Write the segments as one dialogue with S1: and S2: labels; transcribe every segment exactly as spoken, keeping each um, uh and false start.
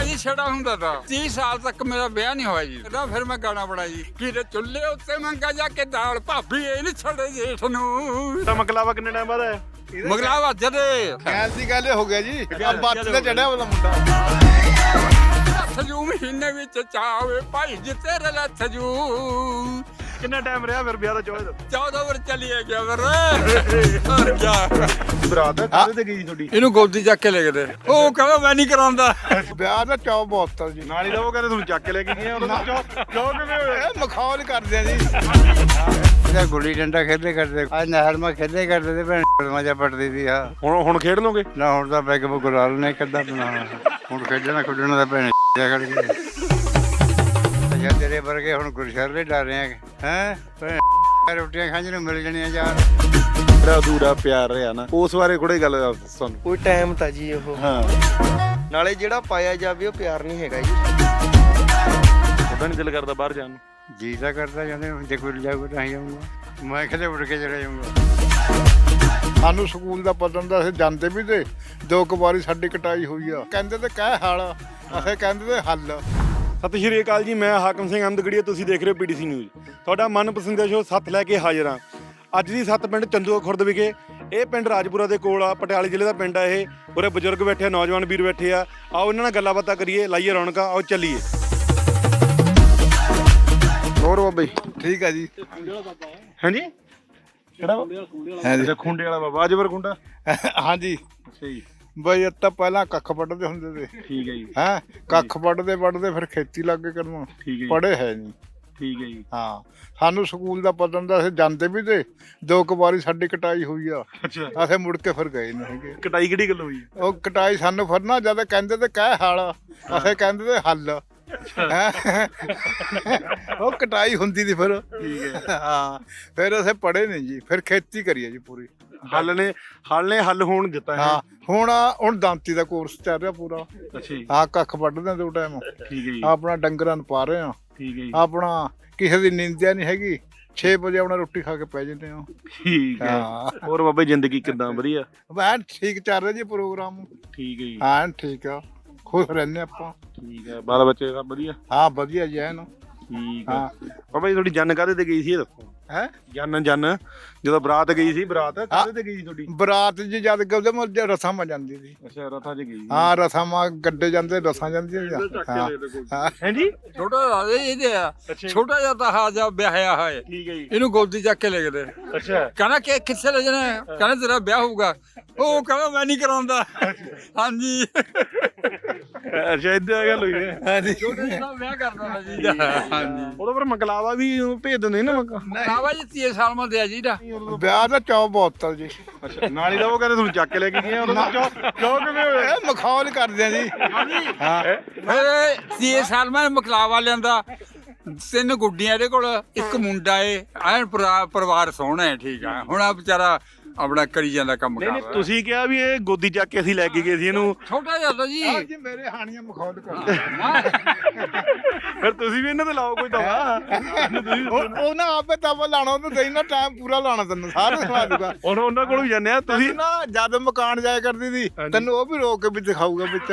S1: जी छड़ा हुंदा था तीस साल तक मेरा ब्याह नहीं हुआ जी ना फिर मैं गाना बना जी कि चुल्हे उत्ते मंगा जाके दाल भाभी ये नहीं छड़े जेठ नू
S2: ਤਾਂ ਮਕਲਾਵਾ ਕਿੰਨੇ ਟਾਈਮ ਬਾਅਦ ਆਇਆ
S1: मगलावा जदे
S3: ਗੈਸ ਦੀ ਗੱਲ ਹੋ ਗਿਆ ਜੀ ਬੱਤ ਤੇ ਚੜਿਆ ਵਾਲਾ ਮੁੰਡਾ
S1: सजू महीने विच चावे भाई जी तेरे लथ जू
S2: ਕਿੰਨਾ ਟਾਈਮ ਰਿਹਾ ਫਿਰ ਵਿਆਹ ਦਾ ਚੌਥੇ
S1: चौदह वर चलिए गया फिर और क्या
S2: ਬਰਾਤ ਹੈ ਕਾਹਦੇ ਤੇ ਗਈ ਤੁਹਾਡੀ
S1: ਇਹਨੂੰ ਗੋਦੀ ਚੱਕ ਕੇ ਲੈ ਗਏ ਉਹ ਕਹਿੰਦਾ ਮੈਂ ਨਹੀਂ ਕਰਾਉਂਦਾ
S3: ਵਿਆਹ ਦਾ ਚੌ ਬਹੁਤ ਜੀ
S2: ਨਾਲ ਹੀ ਤਾਂ ਉਹ ਕਹਿੰਦੇ ਤੁਹਾਨੂੰ ਚੱਕ ਕੇ ਲੈ ਕੇ ਗਏ ਉਹਨਾਂ ਦਾ ਚੌ ਕਿਵੇਂ ਹੋਇਆ
S3: ਇਹ ਮਖੌਲ ਕਰਦੇ ਆ ਜੀ ਇਹ ਗੁੱਲੀ ਡੰਡਾ ਖੇਡੇ ਕਰਦੇ ਅੱਜ ਨਹਿਰ ਮਾ ਖੇਡੇ ਕਰਦੇ ਤੇ ਭੈਣ ਮਜਾ ਪੜਦੀ ਸੀ ਆ
S2: ਹੁਣ ਹੁਣ ਖੇਡ ਲੋਗੇ
S3: ਨਾ ਹੁਣ ਤਾਂ ਬੈਗ ਬੁਗਰਾਲ ਨੇ ਕੱਢਾ ਬਣਾਉਣਾ ਹੁਣ ਖੇਡਣਾ ਖੁੱਡਣਾ ਦਾ ਭੈਣ ਜਾ ਖੜ ਗਏ ਜਾਂ ਤੇਰੇ ਵਰਗੇ ਹੁਣ ਗੁਰਸ਼ਰ ਡਰ ਰਹੇ ਆ ਹੈ ਭੈਣ ਰੋਟੀਆਂ ਖਾਣ ਨੂੰ ਮਿਲ ਜਾਣੀਆਂ ਯਾਰ
S2: ਬੜਾ ਅਧੂਰਾ ਪਿਆਰ ਰਿਹਾ ਨਾ ਉਸ ਬਾਰੇ ਥੋੜੀ ਗੱਲ ਦੱਸ ਸਾਨੂੰ
S4: ਕੋਈ ਟਾਈਮ ਤਾਂ ਜੀ ਉਹ
S2: ਹਾਂ
S4: ਨਾਲੇ ਜਿਹੜਾ ਪਾਇਆ ਜਾਵੇ ਉਹ ਪਿਆਰ ਨਹੀਂ ਹੈਗਾ ਜੀ
S2: ਉਹਦਾ ਨਹੀਂ ਦਿਲ ਕਰਦਾ ਬਾਹਰ ਜਾਣ ਨੂੰ
S3: ਜੀ ਤਾਂ ਕਰਦਾ ਜਾਂਦੇ ਜੇ ਕੋਈ ਜਾਊਗਾ ਤਾਂ ਹੀ ਜਾਊਗਾ ਮੈਂ ਕਿਤੇ ਉੱਡ ਕੇ ਚਲੇ ਜਾਊਗਾ ਸਾਨੂੰ ਸਕੂਲ ਦਾ ਪਤਾ ਹੁੰਦਾ ਅਸੀਂ ਜਾਂਦੇ ਵੀ ਤੇ ਦੋ ਕੁ ਵਾਰੀ ਸਾਡੀ ਕਟਾਈ ਹੋਈ ਆ ਕਹਿੰਦੇ ਤੇ ਕਹਿ ਹਲ ਅਸੀਂ ਕਹਿੰਦੇ ਤੇ ਹੱਲ
S2: ਸਤਿ ਸ਼੍ਰੀ ਅਕਾਲ ਜੀ ਮੈਂ ਹਾਕਮ ਸਿੰਘ ਅਹਿਮਦਗੜੀਆ ਤੁਸੀਂ ਦੇਖ ਰਹੇ ਹੋ ਪੀਡੀਸੀ ਨਿਊਜ਼ ਤੁਹਾਡਾ ਮਨਪਸੰਦ ਦਾ ਸ਼ੋਅ ਸੱਤ ਲੈ ਕੇ ਹਾਜ਼ਰ ਹਾਂ ਅੱਜ ਦੀ ਸੱਤ ਪਿੰਡ ਚੰਦੂਆ ਖੁਰਦ ਵਿਖੇ ਇਹ ਪਿੰਡ ਰਾਜਪੁਰਾ ਦੇ ਕੋਲ ਆ ਪਟਿਆਲੇ ਜ਼ਿਲ੍ਹੇ ਦਾ ਪਿੰਡ ਆ ਇਹ ਉਰੇ ਬਜ਼ੁਰਗ ਬੈਠੇ ਆ ਨੌਜਵਾਨ ਵੀਰ ਬੈਠੇ ਆ ਆਓ ਇਹਨਾਂ ਨਾਲ ਗੱਲਾਂ ਬਾਤਾਂ ਕਰੀਏ ਲਾਈਏ ਰੌਣਕਾਂ ਆਓ ਚੱਲੀਏ ਹੋਰ ਬਾਬਾ ਜੀ
S3: ਠੀਕ ਆ ਜੀ
S2: ਹਾਂਜੀ ਕਿਹੜਾ
S3: ਹਾਂਜੀ
S2: ਖੁੰਡੇ ਵਾਲਾ ਬਾਬਾ ਅਜਬਰ ਖੁੰਡਾ
S3: ਹਾਂਜੀ
S2: ਅੱਛਾ ਜੀ
S3: ਬਈ ਇਹ ਤਾਂ ਪਹਿਲਾਂ ਕੱਖ ਵੱਢਦੇ ਹੁੰਦੇ ਤੇ
S2: ਠੀਕ ਹੈ ਜੀ
S3: ਹੈਂ ਕੱਖ ਵੱਢਦੇ ਵੱਢਦੇ ਫਿਰ ਖੇਤੀ ਲੱਗ ਗਏ ਕਰਨ
S2: ਠੀਕ ਹੈ ਜੀ
S3: ਪੜ੍ਹੇ ਹੈ ਨਹੀਂ
S2: ਠੀਕ ਹੈ ਜੀ
S3: ਹਾਂ ਸਾਨੂੰ ਸਕੂਲ ਦਾ ਪਤਾ ਹੁੰਦਾ ਅਸੀਂ ਜਾਂਦੇ ਵੀ ਤੇ ਦੋ ਕੁ ਵਾਰੀ ਸਾਡੀ ਕਟਾਈ ਹੋਈ ਆ
S2: ਅੱਛਾ
S3: ਅਸੀਂ ਮੁੜ ਕੇ ਫਿਰ ਗਏ ਨਹੀਂ ਹੈਗੇ
S2: ਕਟਾਈ ਕਿਹੜੀ ਗੱਲ ਹੋਈ
S3: ਉਹ ਕਟਾਈ ਸਾਨੂੰ ਫਿਰ ਨਾ ਜਦ ਕਹਿੰਦੇ ਤੇ ਕਹਿ ਹਲ ਅਸੀਂ ਕਹਿੰਦੇ ਤੇ ਹੱਲ ਹੈਂ। ਉਹ ਕਟਾਈ ਹੁੰਦੀ ਸੀ ਫਿਰ
S2: ਠੀਕ ਹੈ
S3: ਹਾਂ ਫਿਰ ਅਸੀਂ ਪੜ੍ਹੇ ਨਹੀਂ ਜੀ ਫਿਰ ਖੇਤੀ ਕਰੀਏ ਜੀ ਪੂਰੀ
S2: ਹੱਲ ਨੇ ਹੱਲ ਨੇ ਹੱਲ ਹੋਣ ਦਿੱਤਾ ਹੈ
S3: ਹਾਂ ਹੁਣ ਹੁਣ ਦਾਂਤੀ ਦਾ ਕੋਰਸ ਚੱਲ ਰਿਹਾ ਪੂਰਾ
S2: ਅੱਛਾ ਜੀ
S3: ਹਾਂ ਕੱਖ ਵੱਢਦੇ ਆ ਦੋ ਟਾਈਮ
S2: ਠੀਕ ਹੈ ਜੀ
S3: ਆਪਣਾ ਡੰਗਰਾਂ ਨੂੰ ਪਾ ਰਹੇ ਆ
S2: ਠੀਕ ਹੈ ਜੀ
S3: ਆਪਣਾ ਕਿਸੇ ਦੀ ਨਿੰਦਿਆ ਨਹੀਂ ਹੈਗੀ ਛੇ ਵਜੇ ਆਪਣਾ ਰੋਟੀ ਖਾ ਕੇ ਪੈ ਜਾਂਦੇ ਆ
S2: ਠੀਕ ਹੈ
S3: ਹਾਂ
S2: ਹੋਰ ਬਾਬਾ ਜੀ ਜ਼ਿੰਦਗੀ ਕਿੱਦਾਂ ਵਧੀਆ
S3: ਐਨ ਠੀਕ ਚੱਲ ਰਿਹਾ ਜੀ ਪ੍ਰੋਗਰਾਮ
S2: ਠੀਕ ਹੈ ਜੀ
S3: ਐਨ ਠੀਕ ਆ ਖੁਸ਼ ਰਹਿੰਦੇ ਆਪਾਂ
S2: ਠੀਕ ਹੈ ਬਾਲ ਬੱਚੇ ਸਭ ਵਧੀਆ
S3: ਹਾਂ ਵਧੀਆ ਜੀ ਐਨ
S2: ਠੀਕ
S3: ਹਾਂ
S2: ਹੈ ਬਾਬਾ ਜੀ ਤੁਹਾਡੀ ਜਨ ਕਾਹਦੇ ਤੇ ਗਈ ਸੀ ਇਹ ਦੱਸੋ
S3: ਹੈ
S2: ਜਨ ਜਨ ਜਦੋਂ ਬਰਾਤ ਗਈ ਸੀ ਬਰਾਤ ਕਾਹਦੇ ਤੇ ਗਈ ਸੀ ਤੁਹਾਡੀ
S3: ਬਰਾਤ ਜੀ ਜਦ ਗਲਦੇ ਮਰ ਰਸਾਂ ਮਾ ਜਾਂਦੀ ਸੀ
S2: ਅੱਛਾ ਰਥਾਂ 'ਚ ਗਈ
S3: ਹਾਂ ਰਸਾਂ ਮਾ ਗੱਡੇ ਜਾਂਦੇ ਰਸਾਂ ਜਾਂਦੀਆਂ ਹਾਂ ਹਾਂ
S2: ਹਾਂਜੀ
S1: ਛੋਟਾ ਰਾਜੇ ਇਹਦੇ ਆ ਛੋਟਾ ਜਿਹਾ ਤਾਂ ਹਾ ਜਾ ਵਿਆਹਿਆ ਹੋਇਆ
S2: ਠੀਕ ਹੈ ਜੀ
S1: ਇਹਨੂੰ ਗੋਦੀ ਚੱਕ ਕੇ ਲੈ ਗਏ
S2: ਅੱਛਾ
S1: ਕਹਿੰਦਾ ਕਿ ਕਿੱਥੇ ਲੈ ਜਾਣਾ ਕਹਿੰਦਾ ਤੇਰਾ ਵਿਆਹ ਹੋਊਗਾ ਉਹ ਕਹਿੰਦਾ ਮੈਂ ਨਹੀਂ ਕਰਾਉਂਦਾ ਹਾਂਜੀ
S2: ਅੱਛਾ ਇਦਾਂ ਗੱਲ ਹੋਈ ਹੈ
S3: ਹਾਂਜੀ
S1: ਛੋਟੇ ਜਿਹੇ ਨਾਲ ਵਿਆਹ ਕਰਦਾ ਹੁੰਦਾ ਜੀ ਹਾਂਜੀ
S2: ਉਹਦਾ ਪਰ ਮਕਲਾਵਾ ਵੀ ਭੇਜ ਦਿੰਦੇ ਨਾ ਮਕਾ
S1: ਆਵਾ ਜੀ ਤੀਏ ਸਾਲ ਮਾ ਦਿਆ ਜੀ ਦਾ
S3: ਵਿਆਹ ਦਾ ਚੌ ਬਹੁਤ ਆ ਜੀ
S2: ਅੱਛਾ ਨਾਲ ਹੀ ਤਾਂ ਉਹ ਕਹਿੰਦੇ ਤੁਹਾਨੂੰ ਚੱਕ ਕੇ ਲੈ ਕੇ ਗਏ ਉਹਨਾਂ ਦਾ ਕਿਉਂ ਕਿਵੇਂ ਹੋਇਆ
S3: ਇਹ ਮਖੌਲ ਕਰਦੇ ਆ ਜੀ ਹਾਂ
S1: ਫਿਰ ਤੀਏ ਸਾਲ ਮੈਂ ਮਕਲਾਵਾ ਲਿਆਂਦਾ ਤਿੰਨ ਗੁੱਡੀਆਂ ਇਹਦੇ ਕੋਲ ਇੱਕ ਮੁੰਡਾ ਏ ਐਨ ਪਰਿਵਾਰ ਸੋਹਣਾ ਹੈ ਠੀਕ ਆ ਹੁਣ ਆ ਵਿਚਾਰਾ ਆਪਣਾ ਕਰੀ ਜਾਂਦਾ ਕੰਮ
S2: ਨਹੀਂ ਨਹੀਂ
S1: ਕਰ
S2: ਤੁਸੀਂ ਕਿਹਾ ਵੀ ਇਹ ਗੋਦੀ ਚੱਕ ਕੇ ਅਸੀਂ ਲੈ ਕੇ ਗਏ ਸੀ ਇਹਨੂੰ
S1: ਛੋਟਾ ਜਿਹਾ ਤਾਂ ਜੀ
S3: ਆਹ ਜੀ ਮੇਰੇ ਹਾਣੀਆਂ ਮਖੌਲ ਕਰਦੇ
S2: ਫਿਰ ਤੁਸੀਂ ਵੀ ਇਹਨਾਂ ਤੇ ਲਾਓ ਕੋਈ ਦਵਾ
S3: ਉਹ ਉਹ ਨਾ ਆਪੇ ਤਵਾ ਲਾਣਾ ਉਹਨੂੰ ਦੇਈ ਨਾ ਟਾਈਮ ਪੂਰਾ ਲਾਣਾ ਤੈਨੂੰ ਸਾਰਾ ਸੁਣਾ ਦੂਗਾ
S2: ਹੁਣ ਉਹਨਾਂ ਕੋਲ ਵੀ ਜਾਂਦੇ ਆ ਤੁਸੀਂ
S3: ਤੁਸੀਂ ਨਾ ਜਦ ਮਕਾਨ ਜਾਇਆ ਕਰਦੀ ਸੀ ਤੈਨੂੰ ਉਹ ਵੀ ਰੋਕ ਕੇ ਵੀ ਦਿਖਾਊਗਾ ਵਿੱਚ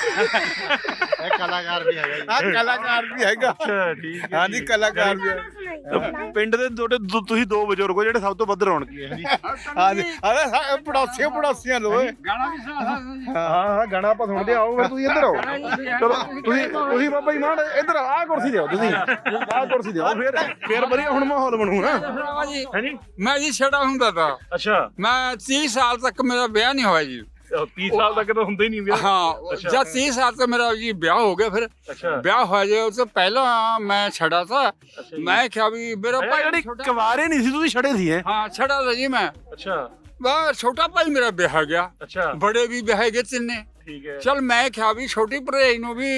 S3: ਇਹ ਕਲਾਕਾਰ ਵੀ ਹੈਗਾ ਆ ਕਲਾਕਾਰ ਵੀ ਹੈਗਾ
S2: ਅੱਛਾ ਠੀਕ ਹੈ
S3: ਹਾਂਜੀ ਕਲਾਕਾਰ ਵੀ ਹੈ
S2: ਤਾਂ ਪਿੰਡ ਦੇ ਤੁਹਾਡੇ ਦੋ- ਤੁਸੀਂ ਦੋ ਬਜ਼ੁਰਗ ਹੋ ਜਿਹੜੇ ਸਭ ਤੋਂ ਵੱਧ ਰੌਣਕੀ ਹੈ ਜੀ
S3: ਹਾਂਜੀ ਅਰੇ ਪੜੋਸੀਆਂ ਪੜੋਸੀਆਂ ਲੋਏ
S1: ਗਾਣਾ ਵੀ ਸੁਣਾ ਸਕਦਾ
S2: ਹਾਂ ਹਾਂ ਗਾਣਾ ਆਪਾਂ ਸੁਣਦੇ ਆਓ ਫਿਰ ਤੁਸੀਂ ਇੱਧਰ ਆਓ ਚਲੋ ਤੁਸੀਂ ਤੁਸੀਂ ਬਾਬਾ ਜੀ ਮਾਨ ਇੱਧਰ ਆਹ ਕੁਰਸੀ ਦਿਓ ਤੁਸੀਂ ਆਹ ਕੁਰਸੀ ਦਿਓ ਫਿਰ ਫਿਰ ਵਧੀਆ ਹੁਣ ਮਾਹੌਲ ਬਣੂ ਨਾ
S1: ਜੀ
S2: ਹਾਂਜੀ
S1: ਮੈਂ ਜੀ ਛੜਾ ਹੁੰਦਾ ਤਾਂ
S2: ਅੱਛਾ
S1: ਮੈਂ ਤੀਸ ਸਾਲ ਤੱਕ ਮੇਰਾ ਵਿਆਹ ਨਹੀਂ ਹੋਇਆ ਜੀ
S2: ਤੀਹ ਸਾਲ ਤੱਕ ਤਾਂ ਹੁੰਦਾ ਹੀ ਨਹੀਂ ਵਿਆਹ
S1: ਹਾਂ ਜਦ ਤੀਸ ਸਾਲ ਤੱਕ ਮੇਰਾ ਜੀ ਵਿਆਹ ਹੋ ਗਿਆ ਫਿਰ
S2: ਅੱਛਾ
S1: ਵਿਆਹ ਹੋਇਆ ਜੇ ਉਸ ਤੋਂ ਪਹਿਲਾਂ ਮੈਂ ਛੜਾ ਤਾ ਮੈਂ ਕਿਹਾ ਵੀ ਮੇਰਾ ਭਾਈ
S2: ਜਿਹੜੀ
S1: ਛੋਟਾ
S2: ਕੁਵਾਰੇ ਨਹੀਂ ਸੀ ਤੁਸੀਂ ਛੜੇ ਸੀ ਹੈ
S1: ਹਾਂ ਛੜਾ ਤਾ ਜੀ ਮੈਂ
S2: ਅੱਛਾ
S1: ਬਸ ਛੋਟਾ ਭਾਈ ਮੇਰਾ ਵਿਆਹ ਗਿਆ
S2: ਅੱਛਾ
S1: ਬੜੇ ਵੀ ਵਿਆਹ ਗਏ ਤਿੰਨੇ
S2: ਠੀਕ ਹੈ
S1: ਚਲ ਮੈਂ ਕਿਹਾ ਵੀ ਛੋਟੀ ਭਰਜਾਈ ਨੂੰ ਵੀ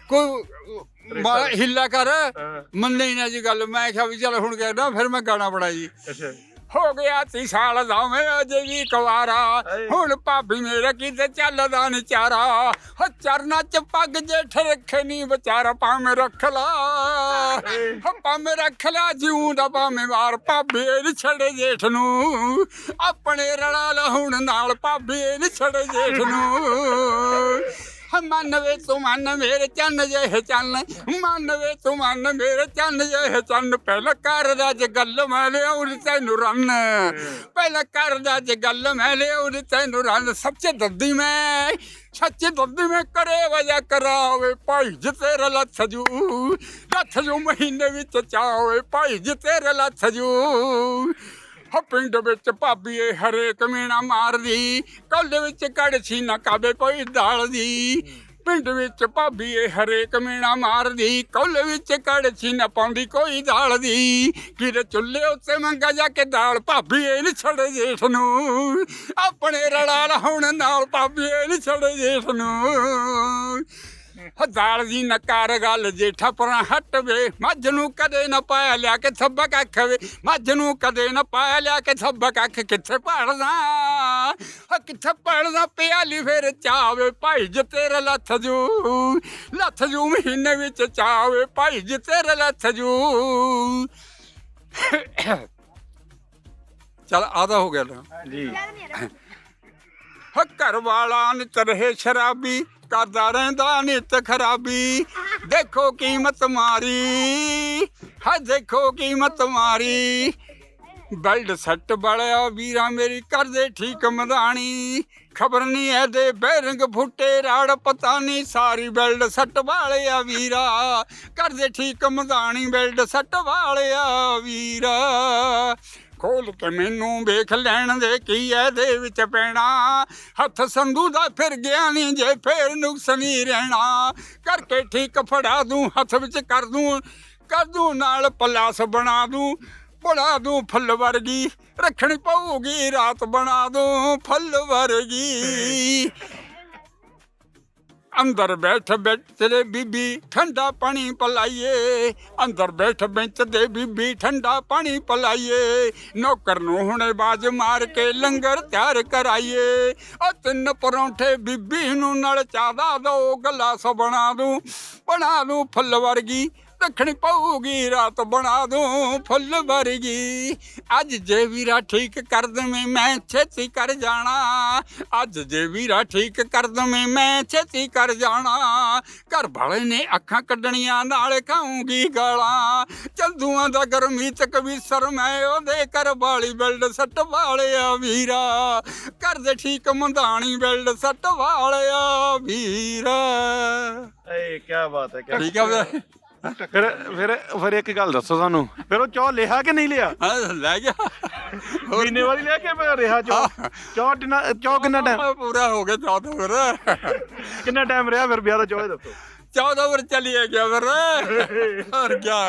S1: ਕੋਈ ਮਾੜਾ ਹਿੱਲਾ ਕਰ
S2: ਹਾਂ
S1: ਮੰਨੇ ਹੀ ਨਾ ਜੀ ਗੱਲ ਮੈਂ ਕਿਹਾ ਵੀ ਚਲ ਹੁਣ ਕਹਿੰਦਾ ਫਿਰ ਮੈਂ ਗਾਣਾ ਬਣਾ ਜੀ
S2: ਅੱਛਾ
S1: ਹੋ ਗਿਆ ਤੀ ਸਾਲ ਦਾ ਮੈਂ ਅਜੇ ਵੀ ਕੁਵਾਰਾ ਹੁਣ ਭਾਬੀ ਮੇਰੇ ਕਿਤੇ ਚੱਲਦਾ ਨੀ ਚਾਰਾ ਹੋ ਚਰਨਾ ਚ ਪੱਗ ਜੇਠ ਰੱਖੇ ਨੀ ਵਿਚਾਰਾ ਭਾਵੇਂ ਰੱਖ ਲਾ ਹੋ ਭਾਵੇਂ ਰੱਖ ਲਾ ਜਿਉਂ ਦਾ ਭਾਵੇਂ ਮਾਰ ਭਾਬੀ ਨੀ ਛੜੇ ਜੇਠ ਨੂੰ ਆਪਣੇ ਰਲਾ ਲਾ ਹੁਣ ਨਾਲ ਭਾਬੀ ਨੀ ਛੜੇ ਜੇਠ ਨੂੰ ਮੰਨ ਵੇ ਤੂੰ ਮੰਨ ਮੇਰੇ ਚੰਨ ਜਿਹੇ ਚੰਨ ਮੰਨ ਵੇ ਤੂੰ ਮੰਨ ਮੇਰੇ ਚੰਨ ਜਿਹੇ ਚੰਨ ਪਹਿਲਾਂ ਕਰਦਾ ਜੇ ਗੱਲ ਮੈਂ ਲਿਆਉਂ ਤੈਨੂੰ ਰੰਨ ਪਹਿਲਾਂ ਕਰਦਾ ਜੇ ਗੱਲ ਮੈਂ ਲਿਆਉਂ ਤੈਨੂੰ ਰੰਨ ਸੱਚੇ ਦੱਦੀ ਮੈਂ ਸੱਚੇ ਦੱਦੀ ਮੈਂ ਕਰੇ ਵਜਾ ਕਰਾਵੇ ਭਾਈ ਜੇ ਤੇਰਾ ਲੱਥ ਜੂ ਲੱਥ ਜੂ ਮਹੀਨੇ ਵਿੱਚ ਚਾਵੇ ਭਾਈ ਜੇ ਤੇਰਾ ਲੱਥ ਜੂ ਹੋ ਪਿੰਡ ਵਿੱਚ ਭਾਬੀ ਏ ਹਰੇਕ ਮੀਣਾ ਮਾਰਦੀ ਕੱਲ ਵਿੱਚ ਕੜਛੀ ਨਾ ਕਾਵੇ ਕੋਈ ਦਾਲ ਦੀ ਪਿੰਡ ਵਿੱਚ ਭਾਬੀ ਏ ਹਰੇਕ ਮੀਣਾ ਮਾਰਦੀ ਕੱਲ ਵਿੱਚ ਕੜਛੀ ਨਾ ਪਾਉਂਦੀ ਕੋਈ ਦਾਲ ਦੀ ਕਿਤੇ ਚੁੱਲ੍ਹੇ ਉੱਤੇ ਮੰਗਾ ਜਾ ਕੇ ਦਾਲ ਭਾਬੀ ਏ ਨੀ ਛੜੇ ਜੇਠ ਨੂੰ ਆਪਣੇ ਰਲਾ ਲਾਉਣ ਨਾਲ ਭਾਬੀ ਏ ਨੀ ਛੜੇ ਜੇਠ ਨੂੰ ਦਾਲ ਦੀ ਨਕਾਰ ਗੱਲ ਜੇਠਾ ਪਰਾਂ ਹਟ ਵੇ ਮੱਝ ਨੂੰ ਕਦੇ ਨਾ ਪਾਇਆ ਲਿਆ ਕੇ ਥੱਬਾ ਕੱਖ ਵੇ ਮੱਝ ਨੂੰ ਕਦੇ ਨਾ ਪਾਇਆ ਲਿਆ ਕੇ ਥੱਬਾ ਕੱਖ ਕਿੱਥੇ ਪੜਦਾ ਕਿੱਥੇ ਪੜਦਾ ਪਿਆਲੀ ਫੇਰ ਚਾਵੇ ਭਾਈ ਜੇ ਤੇਰਾ ਲੱਥ ਜੂ ਲੱਥ ਜੂ ਮਹੀਨੇ ਵਿੱਚ ਚਾਵੇ ਭਾਈ ਜੇ ਤੇਰਾ ਲੱਥ ਜੂ ਚਲ ਆਦਾ ਹੋ ਗਿਆ ਨਾ
S2: ਜੀ
S1: ਘਰ ਵਾਲਾ ਨਿਤ ਰਹੇ ਸ਼ਰਾਬੀ ਕਰਦਾ ਰਹਿੰਦਾ ਨਿਤ ਖਰਾਬੀ ਦੇਖੋ ਕੀਮਤ ਮਾਰੀ ਹਾਂ ਦੇਖੋ ਕੀਮਤ ਮਾਰੀ ਬੈਲਟ ਸੱਟ ਬੜਿਆ ਵੀਰਾ ਮੇਰੀ ਕਰਦੇ ਠੀਕ ਮਦਾਣੀ ਖਬਰ ਨਹੀਂ ਇਹਦੇ ਬੈਰੰਗ ਫੁੱਟੇ ਰਾੜ ਪਤਾ ਨਹੀਂ ਸਾਰੀ ਬੈਲਟ ਸੱਟ ਵਾਲਿਆ ਵੀਰਾ ਕਰਦੇ ਠੀਕ ਮਦਾਣੀ ਬੈਲਟ ਸੱਟ ਵਾਲਿਆ ਵੀਰਾ ਖੋਲ ਕੇ ਮੈਨੂੰ ਵੇਖ ਲੈਣ ਦੇ ਕੀ ਇਹਦੇ ਵਿੱਚ ਪੈਣਾ ਹੱਥ ਸੰਧੂ ਦਾ ਫਿਰ ਗਿਆ ਨਹੀਂ ਜੇ ਫੇਰ ਨੁਕਸ ਨਹੀਂ ਰਹਿਣਾ ਕਰਕੇ ਠੀਕ ਫੜਾ ਦੂੰ ਹੱਥ ਵਿੱਚ ਕਰ ਦੂੰ ਕਰ ਦੂੰ ਨਾਲ ਪਲਾਸ ਬਣਾ ਦੂੰ ਬਣਾ ਦੂੰ ਫੁੱਲ ਵਰਗੀ ਰੱਖਣੀ ਪਊਗੀ ਰਾਤ ਬਣਾ ਦੂੰ ਫੁੱਲ ਵਰਗੀ ਅੰਦਰ ਬੈਠ ਬੈਠ ਤੇਰੇ ਬੀਬੀ ਠੰਡਾ ਪਾਣੀ ਪਲਾਈਏ ਅੰਦਰ ਬੈਠ ਬੈਂਚ ਦੇ ਬੀਬੀ ਠੰਡਾ ਪਾਣੀ ਪਲਾਈਏ ਨੌਕਰ ਨੂੰ ਹੁਣੇ ਬਾਜ ਮਾਰ ਕੇ ਲੰਗਰ ਤਿਆਰ ਕਰਾਈਏ ਉਹ ਤਿੰਨ ਪਰੌਂਠੇ ਬੀਬੀ ਨੂੰ ਨਾਲ ਚਾਦਾ ਦੋ ਗਲਾਸ ਬਣਾ ਦੂੰ ਬਣਾ ਦੂੰ ਫੁੱਲ ਵਰਗੀ ਰੱਖਣੀ ਪਊਗੀ ਰਾਤ ਬਣਾ ਦੂੰ ਫੁੱਲ ਵਰਗੀ ਅੱਜ ਜੇ ਵੀਰਾ ਠੀਕ ਕਰ ਦਵੇਂ ਮੈਂ ਛੇਤੀ ਕਰ ਜਾਣਾ ਅੱਜ ਜੇ ਵੀਰਾ ਠੀਕ ਕਰ ਦਵੇਂ ਮੈਂ ਛੇਤੀ ਕਰ ਜਾਣਾ ਘਰ ਵਾਲੇ ਨੇ ਅੱਖਾਂ ਕੱਢਣੀਆਂ ਨਾਲ ਖਾਊਂਗੀ ਗਾਲਾਂ ਚੰਦੂਆਂ ਦਾ ਗਰਮੀਤ ਕਵੀਸਰ ਮੈਂ ਉਹਦੇ ਘਰ ਵਾਲੀ ਬਿਲਡ ਸੱਟ ਵਾਲਿਆ ਵੀਰਾ ਘਰ ਦੇ ਠੀਕ ਮੰਦਾਣੀ ਬਿਲਡ ਸੱਟ ਵਾਲਿਆ ਵੀਰਾ
S2: ਏ ਕੀ ਬਾਤ ਹੈ ਕਿਆ
S1: ਠੀਕ ਆ ਵੀਰੇ
S2: ਫਿਰ ਫਿਰ ਫਿਰ ਇੱਕ ਗੱਲ ਦੱਸੋ ਸਾਨੂੰ ਫਿਰ ਉਹ ਚੌ ਲਿਆ ਕਿ ਨਹੀਂ ਲਿਆ
S1: ਹਾਂ ਲੈ ਗਿਆ
S2: ਮਹੀਨੇ ਵਾਲੀ ਲਿਆ ਕਿ ਫਿਰ ਰਿਹਾ ਚੌ ਚੌ ਕਿੰਨਾ ਚੌ ਕਿੰਨਾ ਟਾਈਮ
S1: ਪੂਰਾ ਹੋ ਗਿਆ ਚੌਦਾਂ ਫਿਰ
S2: ਕਿੰਨਾ ਟਾਈਮ ਰਿਹਾ ਫਿਰ ਵਿਆਹ ਦਾ ਚੌ ਇਹ ਦੱਸੋ
S1: ਚੌਦਾਂ ਫਿਰ ਚਲੀਏ ਗਿਆ ਫਿਰ ਹੋਰ ਕਿਆ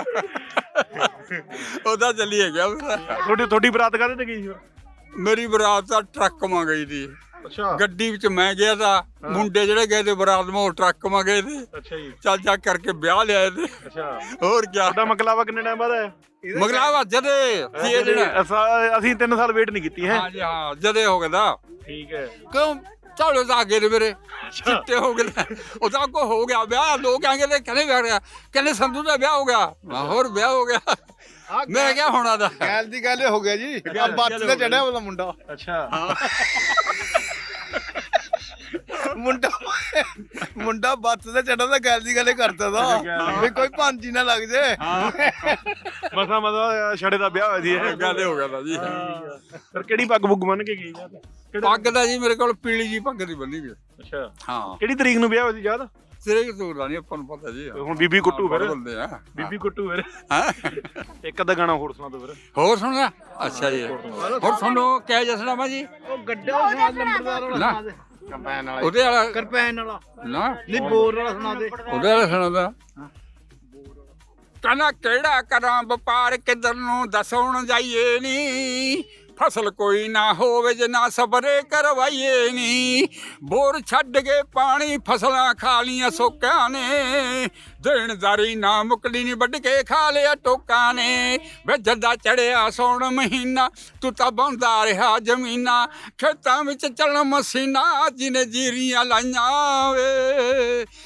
S1: ਉਹਦਾ ਚਲੀਏ ਗਿਆ ਫਿਰ
S2: ਤੁਹਾਡੀ ਤੁਹਾਡੀ ਬਰਾਤ ਕਾਹਦੇ ਤੇ ਗਈ ਸੀ
S1: ਮੇਰੀ ਬਰਾਤ ਤਾਂ ਟਰੱਕ ਮਾ ਗਈ ਦੀ
S2: ਅੱਛਾ
S1: ਗੱਡੀ ਵਿੱਚ ਮੈਂ ਗਿਆ ਤਾਂ ਮੁੰਡੇ ਜਿਹੜੇ ਗਏ ਤੇ ਬਰਾਤ ਮਾ ਉਹ ਟਰੱਕ ਮਾ ਗਏ ਤੇ
S2: ਅੱਛਾ ਜੀ
S1: ਚੱਲ ਚੱਕ ਕਰਕੇ ਵਿਆਹ ਲਿਆਏ ਤੇ
S2: ਅੱਛਾ
S1: ਹੋਰ ਕਿਆ
S2: ਤੁਹਾਡਾ ਮਕਲਾਵਾ ਕਿੰਨੇ ਟਾਈਮ ਬਾਅਦ ਆਇਆ
S1: ਮਗਲਾਵਾ ਜਦੇ ਸੀ ਜਿਹੜਾ
S2: ਅਸਾਂ- ਅਸੀਂ ਤਿੰਨ ਸਾਲ ਵੇਟ ਨਹੀਂ ਕੀਤੀ ਹੈ
S1: ਹਾਂ ਜੀ ਹਾਂ ਜਦੇ ਹੋ ਗਿਆ ਤਾਂ
S2: ਠੀਕ ਹੈ
S1: ਕਿਉਂ ਝੋਲੇ ਤਾਂ ਅੱਗੇ ਨੇ ਮੇਰੇ ਚਿੱਟੇ ਹੋ ਗਏ ਉਹਦਾ ਕੋ ਹੋ ਗਿਆ ਵਿਆਹ ਲੋਕ ਆਂਗੇ ਤੇ ਕਹਿੰਦੇ ਵਿਆਹ ਰਿਹਾ ਕਹਿੰਦੇ ਸੰਧੂ ਦਾ ਵਿਆਹ ਹੋ ਗਿਆ ਮੈਂ ਹੋਰ ਵਿਆਹ ਹੋ ਗਿਆ ਮੈਂ ਕਿਹਾ ਹੋਣਾ ਦਾ
S3: ਗੱਲ ਦੀ ਗੱਲ ਹੋ ਗਿਆ ਜੀ ਬੱਤ ਤੇ ਚੜਿਆ ਉਹਦਾ ਮੁੰਡਾ
S2: ਅੱਛਾ
S3: ਮੁੰਡਾ ਮੁੰਡਾ ਬੱਤ ਤੇ ਚੜਿਆ ਤਾਂ ਗੱਲ ਦੀ ਗੱਲ ਕਰਦਾ ਦਾ ਵੀ ਕੋਈ ਭਾਂਜੀ ਨਾ ਲੱਗ ਜੇ
S2: ਮਸਾ ਮਸਾ ਛੜੇ ਦਾ ਵਿਆਹ ਹੋਇਆ ਸੀ ਇਹ
S1: ਗੱਲ ਹੋ ਗਿਆ ਤਾਂ ਜੀ
S2: ਫਿਰ ਕਿਹੜੀ ਪੱਗ ਪੁੱਗ ਬੰਨ ਕੇ ਗਈ
S1: ਪੱਗ ਦਾ ਜੀ ਮੇਰੇ ਕੋਲ ਪੀਲੀ ਜੀ ਪੱਗ ਦੀ ਬੰਨੀ ਵੀ
S2: ਅੱਛਾ
S1: ਹਾਂ
S2: ਕਿਹੜੀ ਤਰੀਕ ਨੂੰ ਵਿਆਹ ਹੋਇਆ ਸੀ ਯਾਦ
S1: ਸਿਰੇ ਕਿਤੋਂ ਦਾ ਨਹੀਂ ਆਪਾਂ ਨੂੰ ਪਤਾ ਜੀ
S2: ਹੁਣ ਬੀਬੀ ਕੁੱਟੂ ਫਿਰ
S1: ਬੰਦੇ ਆ
S2: ਬੀਬੀ ਕੁੱਟੂ ਫਿਰ
S1: ਹਾਂ
S2: ਇੱਕ ਅੱਧਾ ਗਾਣਾ ਹੋਰ ਸੁਣਾ ਦਿਓ ਫਿਰ
S1: ਹੋਰ ਸੁਣਿਆ ਅੱਛਾ ਜੀ ਹੋਰ ਸੁਣੋ ਕਿਆ ਜਸਨਾ ਮਾ ਜੀ
S3: ਉਹ ਗੱਡਾ ਸੁਣਾ ਨੰਬਰਦਾਰ ਵਾਲਾ
S1: ਨਾ
S3: ਸੁਣਾ ਦੇ ਕੰਪੈਨ ਵਾਲਾ
S1: ਉਹਦੇ ਵਾਲਾ
S3: ਕਰਪੈਨ ਵਾਲਾ
S1: ਨਾ
S3: ਨਹੀਂ ਬੋਰ ਵਾਲਾ ਸੁਣਾ ਦੇ
S1: ਉਹਦੇ ਵਾਲਾ ਸੁਣਾਦਾ ਕਹਿੰਦਾ ਕਿਹੜਾ ਕਰਾਂ ਵਪਾਰ ਕਿੱਧਰ ਨੂੰ ਦੱਸਣ ਜਾਈਏ ਨੀ ਫਸਲ ਕੋਈ ਨਾ ਹੋਵੇ ਜੇ ਨਾ ਸਬਰੇ ਕਰਵਾਈਏ ਨੀ ਬੋਰ ਛੱਡ ਕੇ ਪਾਣੀ ਫਸਲਾਂ ਖਾ ਲੀਆਂ ਸੋਕਿਆਂ ਨੇ ਦੇਣਦਾਰੀ ਨਾ ਮੁਕਲੀ ਨੀ ਵੱਢ ਕੇ ਖਾ ਲਿਆ ਟੋਕਾਂ ਨੇ ਵੇ ਜੱਦਾ ਚੜਿਆ ਸੌਣ ਮਹੀਨਾ ਤੂੰ ਤਾਂ ਬੰਦਾ ਰਿਹਾ ਜ਼ਮੀਨਾਂ ਖੇਤਾਂ ਵਿੱਚ ਚੱਲਣ ਮਸੀਨਾ ਜਿਹਨੇ ਜੀਰੀਆਂ ਲਾਈਆਂ ਵੇ